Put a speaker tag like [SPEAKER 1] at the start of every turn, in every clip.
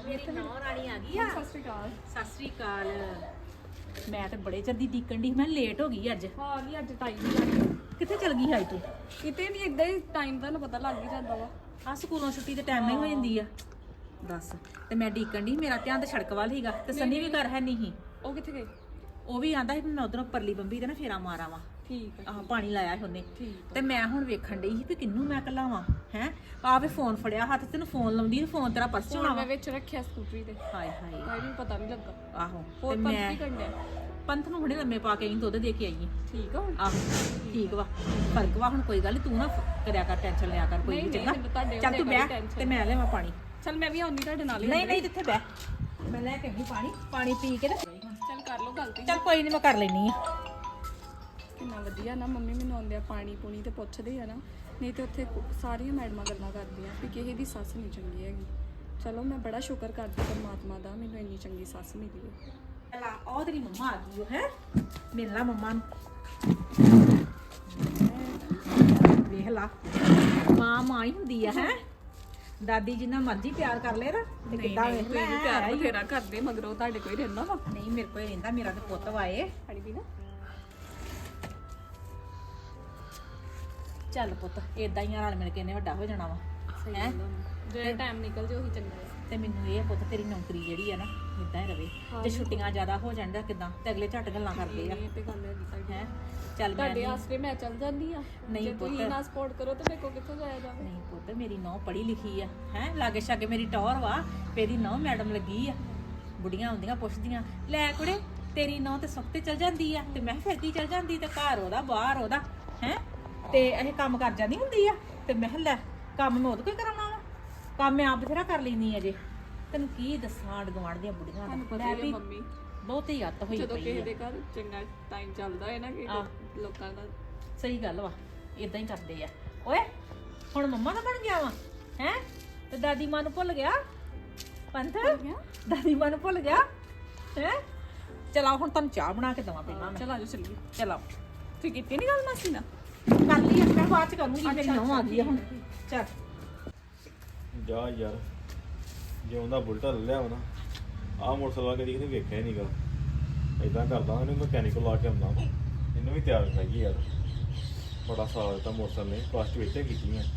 [SPEAKER 1] ਮੇਰੀ ਨੌ ਰਾਣੀ ਆ ਗਈ ਆ।
[SPEAKER 2] ਸਤਿ ਸ਼੍ਰੀ ਅਕਾਲ।
[SPEAKER 1] ਸਤਿ ਸ਼੍ਰੀ ਅਕਾਲ। ਮੈਂ ਤੇ ਬੜੇ ਚਿਰ ਦੀ ਡੀਕਣ ਦੀ, ਮੈਂ ਲੇਟ ਹੋ ਗਈ ਅੱਜ।
[SPEAKER 2] ਹਾਂ ਆ ਗਈ ਅੱਜ ਟਾਈਮ ਹੀ ਲੱਗ
[SPEAKER 1] ਕਿੱਥੇ ਚਲ ਗਈ ਹੈ ਤੂੰ?
[SPEAKER 2] ਕਿਤੇ ਨਹੀਂ ਇਦਾਂ ਹੀ ਟਾਈਮ ਦਾ ਨਾ ਪਤਾ ਲੱਗ ਹੀ ਜਾਂਦਾ ਵਾ।
[SPEAKER 1] ਆ ਸਕੂਲੋਂ ਛੁੱਟੀ ਦੇ ਟਾਈਮ ਨਹੀਂ ਹੋ ਜਾਂਦੀ ਆ। ਦੱਸ, ਤੇ ਮੈਂ ਡੀਕਣ ਦੀ, ਮੇਰਾ ਧਿਆਨ ਤੇ ਸੜਕ ਵੱਲ ਹੀਗਾ ਤੇ ਸੰਨੀ ਵੀ ਘਰ ਹੈ ਨਹੀਂ ਸੀ।
[SPEAKER 2] ਉਹ ਕਿੱਥੇ ਗਏ?
[SPEAKER 1] ਉਹ ਵੀ ਆਂਦਾ ਸੀ ਮੈਂ ਉਧਰੋਂ ਪਰਲੀ ਬੰਬੀ ਤੇ ਨਾ ਫੇਰਾ ਮਾਰਾਂ ਵਾ।
[SPEAKER 2] ਠੀਕ ਹੈ।
[SPEAKER 1] ਆਹ ਪਾਣੀ ਲਾਇਆ ਸੀ ਉਹਨੇ।
[SPEAKER 2] ਠੀਕ
[SPEAKER 1] ਤੇ ਮੈਂ ਹੁਣ ਵੇਖਣ ਡਈ ਸੀ ਵੀ ਕਿੰਨੂੰ ਮੈਂ ਘਲਾਵਾਂ ਹੈ। ਆਵੇ ਫੋਨ ਫੜਿਆ ਹੱਥ, ਤੈਨੂੰ ਫੋਨ ਲਾਉਂਦੀ, ਫੋਨ ਤੇਰਾ ਪਰਸ ਹੋਣਾ ਵਾ।
[SPEAKER 2] ਮੈਂ ਵਿੱਚ ਰੱਖਿਆ ਸਕੂਟਰੀ ਤੇ।
[SPEAKER 1] ਹਾਏ ਹਾਏ,
[SPEAKER 2] ਮੈਨੂੰ ਪਤਾ ਨਹੀਂ ਲੱਗਾ।
[SPEAKER 1] ਆਹੋ
[SPEAKER 2] ਹੋਰ
[SPEAKER 1] ਤੇ
[SPEAKER 2] ਪੰਥ
[SPEAKER 1] ਮੈਂ
[SPEAKER 2] ਕੀ ਕਰਨਾ?
[SPEAKER 1] ਪੰਥ ਨੂੰ ਹੁਣੇ ਲੰਮੇ ਪਾ ਕੇ ਆਈ, ਦੁੱਧ ਦੇ ਕੇ ਆਈ ਆਂ।
[SPEAKER 2] ਠੀਕ ਆ ਹੁਣ?
[SPEAKER 1] ਆਹੋ ਠੀਕ ਵਾ, ਫਰਕ ਵਾ ਹੁਣ, ਕੋਈ ਗੱਲ ਨੀ, ਤੂੰ ਨਾ ਕਰਿਆ ਕਰ, ਟੈਨਸ਼ਨ ਲਿਆ ਕਰ ਕੋਈ
[SPEAKER 2] ਨਹੀਂ,
[SPEAKER 1] ਵੀ, ਚੰਗਾ?
[SPEAKER 2] ਮੈਨੂੰ ਤੁਹਾਡੇ
[SPEAKER 1] ਚੱਲ ਤੂੰ
[SPEAKER 2] ਉੱਤੇ
[SPEAKER 1] ਬਹਿ
[SPEAKER 2] tension
[SPEAKER 1] ਤੇ ਮੈਂ ਲਿਆਵਾਂ ਪਾਣੀ।
[SPEAKER 2] ਚੱਲ ਮੈਂ ਵੀ ਆਉਂਦੀ ਤੁਹਾਡੇ ਨਾਲ ਹੀ।
[SPEAKER 1] ਨਹੀਂ ਨਹੀਂ, ਜਿੱਥੇ ਬਹਿ, ਮੈਂ ਲੈ ਕੇ ਆਈ ਪਾਣੀ, ਪਾਣੀ ਪੀ ਕੇ ਤੇ
[SPEAKER 2] ਚੱਲ ਕਰ ਲਓ ਗੱਲ ਤੇ।
[SPEAKER 1] ਚੱਲ ਕੋਈ ਨਹੀਂ, ਮੈਂ ਕਰ ਲੈਣੀ ਆ।
[SPEAKER 2] ਕਿੰਨਾ ਵਧੀਆ ਨਾ, ਮੰਮੀ ਮੈਨੂੰ ਆਉਂਦੇ ਆ ਪਾਣੀ ਪੂਣੀ ਤੇ ਪੁੱਛਦੇ ਆ ਨਾ। ਨਹੀਂ ਤੇ ਉੱਥੇ ਸਾਰੀਆਂ ਮੈਡਮਾਂ ਗੱਲਾਂ ਕਰਦੀਆਂ ਵੀ ਕਿਸੇ ਦੀ ਸੱਸ ਨਹੀਂ ਚੰਗੀ ਹੈਗੀ। ਚਲੋ ਮੈਂ ਬੜਾ ਸ਼ੁਕਰ ਕਰਦੀ ਪਰਮਾਤਮਾ ਦਾ, ਮੈਨੂੰ ਇੰਨੀ ਚੰਗੀ ਸੱਸ ਮਿਲੀ ਹੈ।
[SPEAKER 1] ਚਲਾ ਉਹ ਤੇਰੀ ਮੰਮਾ ਆ ਗਈ ਹੈ, ਮਿਲ ਲਾ ਮੰਮਾ ਨੂੰ। ਵੇਖ ਲਾ, ਮਾਂ ਮਾਂ ਹੀ ਹੁੰਦੀ ਆ ਹੈ। ਦਾਦੀ ਜਿੰਨਾ ਮਰਜ਼ੀ ਪਿਆਰ ਕਰ ਲੈ ਨਾ, ਤੇ ਕਿੱਦਾਂ ਵੇਖ ਲੈ
[SPEAKER 2] ਪਿਆਰ ਬਥੇਰਾ ਕਰਦੇ, ਮਗਰੋਂ ਤੁਹਾਡੇ ਕੋਈ ਰਹਿੰਦਾ ਵਾ?
[SPEAKER 1] ਨਹੀਂ, ਮੇਰੇ ਕੋਲ ਰਹਿੰਦਾ, ਮੇਰਾ ਤੇ ਪੁੱਤ ਵਾਏ।
[SPEAKER 2] ਪਾਣੀ ਪੀਣਾ?
[SPEAKER 1] ਚੱਲ ਪੁੱਤ, ਏਦਾਂ ਹੀ ਰਲ ਮਿਲ ਕੇ ਇਹਨੇ ਵੱਡਾ ਹੋ ਜਾਣਾ ਵਾ।
[SPEAKER 2] ਸਹੀ
[SPEAKER 1] ਹੈਂ?
[SPEAKER 2] ਗੱਲ ਆ। ਜਿਹੜਾ ਟਾਈਮ ਨਿਕਲ ਜੇ ਉਹੀ ਚੰਗਾ ਹੈ।
[SPEAKER 1] ਤੇ ਮੈਨੂੰ ਇਹ ਆ ਪੁੱਤ, ਤੇਰੀ ਨੌਕਰੀ ਜਿਹੜੀ ਆ ਨਾ ਇਦਾਂ ਹੀ ਰਵੇ। ਜੇ ਛੁੱਟੀਆਂ ਜ਼ਿਆਦਾ ਹੋ ਜਾਣ ਤਾਂ ਕਿਦਾਂ, ਤੇ ਅਗਲੇ ਝੱਟ ਗੱਲਾਂ ਕਰਦੇ ਆ।
[SPEAKER 2] ਇਹ ਤੇ ਗੱਲ ਹੈਗੀ ਤੁਹਾਡੀ।
[SPEAKER 1] ਹੈ ਚੱਲ, ਮੈਂ
[SPEAKER 2] ਤੁਹਾਡੇ ਆਸਰੇ ਮੈਂ ਚੱਲ ਜਾਂਦੀ ਆ।
[SPEAKER 1] ਨਹੀਂ
[SPEAKER 2] ਜੇ
[SPEAKER 1] ਪੁੱਤ।
[SPEAKER 2] ਤੁਸੀਂ ਨਾ ਸਪੋਰਟ ਕਰੋ ਤਾਂ ਮੇਰੇ ਕੋਲ ਕਿੱਥੋਂ ਜਾਇਆ ਜਾਵੇ?
[SPEAKER 1] ਨਹੀਂ ਪੁੱਤ, ਮੇਰੀ ਨੌ ਪੜ੍ਹੀ ਲਿਖੀ ਆ ਹੈ, ਲਾਗੇ ਛਾਗੇ ਮੇਰੀ ਟੌਰ ਵਾ, ਤੇਰੀ ਨੌ ਮੈਡਮ ਲੱਗੀ ਆ। ਬੁੜੀਆਂ ਹੁੰਦੀਆਂ ਪੁੱਛਦੀਆਂ, ਲੈ ਕੁੜੇ ਤੇਰੀ ਨੌ ਤੇ ਸੁੱਖ ਤੇ ਚਲ ਜਾਂਦੀ ਆ, ਤੇ ਮੈਂ ਫਿਰ ਕੀ ਚਲ ਜਾਂਦੀ, ਤੇ ਘਰ ਉਹਦਾ ਬਾਹਰ ਉਹਦਾ ਹੈ, ਤੇ ਇਹ ਕੰਮ ਕਰ ਜਾਂਦੀ ਹੁੰਦੀ ਆ। ਤੇ ਮੈਂ ਲੈ ਕੰਮ ਮੈਂ ਉਹਦੇ ਕੋਈ ਕਰਾਉਣਾ ਵਾ, ਕੰਮ ਮੈਂ ਆਪ ਬਥੇਰਾ ਕਰ ਲੈਂਦੀ ਅਜੇ। ਤੈਨੂੰ ਕੀ ਦੱਸਾਂ, ਆਂਢ ਗੁਆਂਢ ਦੀਆਂ ਬੁੜੀਆਂ
[SPEAKER 2] ਤੁਹਾਨੂੰ
[SPEAKER 1] ਦਾ
[SPEAKER 2] ਪਤਾ ਹੀ ਆ ਮੰਮੀ,
[SPEAKER 1] ਬਹੁਤੀ ਹੱਤ ਹੋਈ
[SPEAKER 2] ਜਦੋਂ
[SPEAKER 1] ਪਈ
[SPEAKER 2] ਕਿਸੇ
[SPEAKER 1] ਆ।
[SPEAKER 2] ਦੇ ਘਰ ਚੰਗਾ ਟਾਈਮ ਚੱਲਦਾ ਹੈ ਨਾ, ਕਿ ਲੋਕਾਂ ਦਾ
[SPEAKER 1] ਸਹੀ ਗੱਲ ਵਾ, ਇਦਾਂ ਹੀ ਕਰਦੇ ਆ। ਓਏ ਹੁਣ ਮੰਮਾ ਨਾ ਬਣ ਗਿਆ ਵਾ ਹੈ, ਤੇ ਦਾਦੀ ਮਾਂ ਨੂੰ ਭੁੱਲ ਗਿਆ। ਪੰਥ, ਦਾਦੀ ਮਾਂ ਨੂੰ ਭੁੱਲ ਗਿਆ ਹੈ। ਚਲਾਓ ਹੁਣ ਤੁਹਾਨੂੰ ਚਾਹ ਬਣਾ ਕੇ ਦਵਾਂ ਪਹਿਲਾਂ।
[SPEAKER 2] ਚਲ ਆਜੋ ਚੱਲੀਏ।
[SPEAKER 1] ਚਲਾਓ,
[SPEAKER 2] ਤੁਸੀਂ ਕੀਤੀ ਨਹੀਂ ਗੱਲ ਮਾਸੀ ਨਾਲ?
[SPEAKER 1] ਕਰ ਲਈ ਮੈਂ ਬਾਅਦ ਚ ਕਰੂੰਗੀ, ਮੇਰੀ ਨੌਂ ਆ ਗਈ ਆ ਹੁਣ। ਚੱਲ
[SPEAKER 3] ਜਾ ਯਾਰ, ਜੇ ਉਹਦਾ ਬੁਲਟਾ ਲੈ ਲਿਆ ਵਾ ਨਾ, ਆਹ ਮੋਟਰਸਾਈਕਲ ਕਦੀ ਕਿਤੇ ਵੇਖਿਆ ਹੀ ਨਹੀਂਗਾ। ਇਦਾਂ ਕਰਦਾ ਇਹਨੂੰ ਮਕੈਨਿਕਲ ਲਾ ਕੇ ਆਉਂਦਾ, ਇਹਨੂੰ ਵੀ ਤਿਆਰ ਕਰਾਈਏ ਯਾਰ। ਬੜਾ ਸਾਲ ਦਿੱਤਾ ਮੋਟਰਸਾਈਕਲ ਨੇ, ਪਲੱਸ 2 ਇੱਥੇ ਕੀਤੀ ਮੈਂ।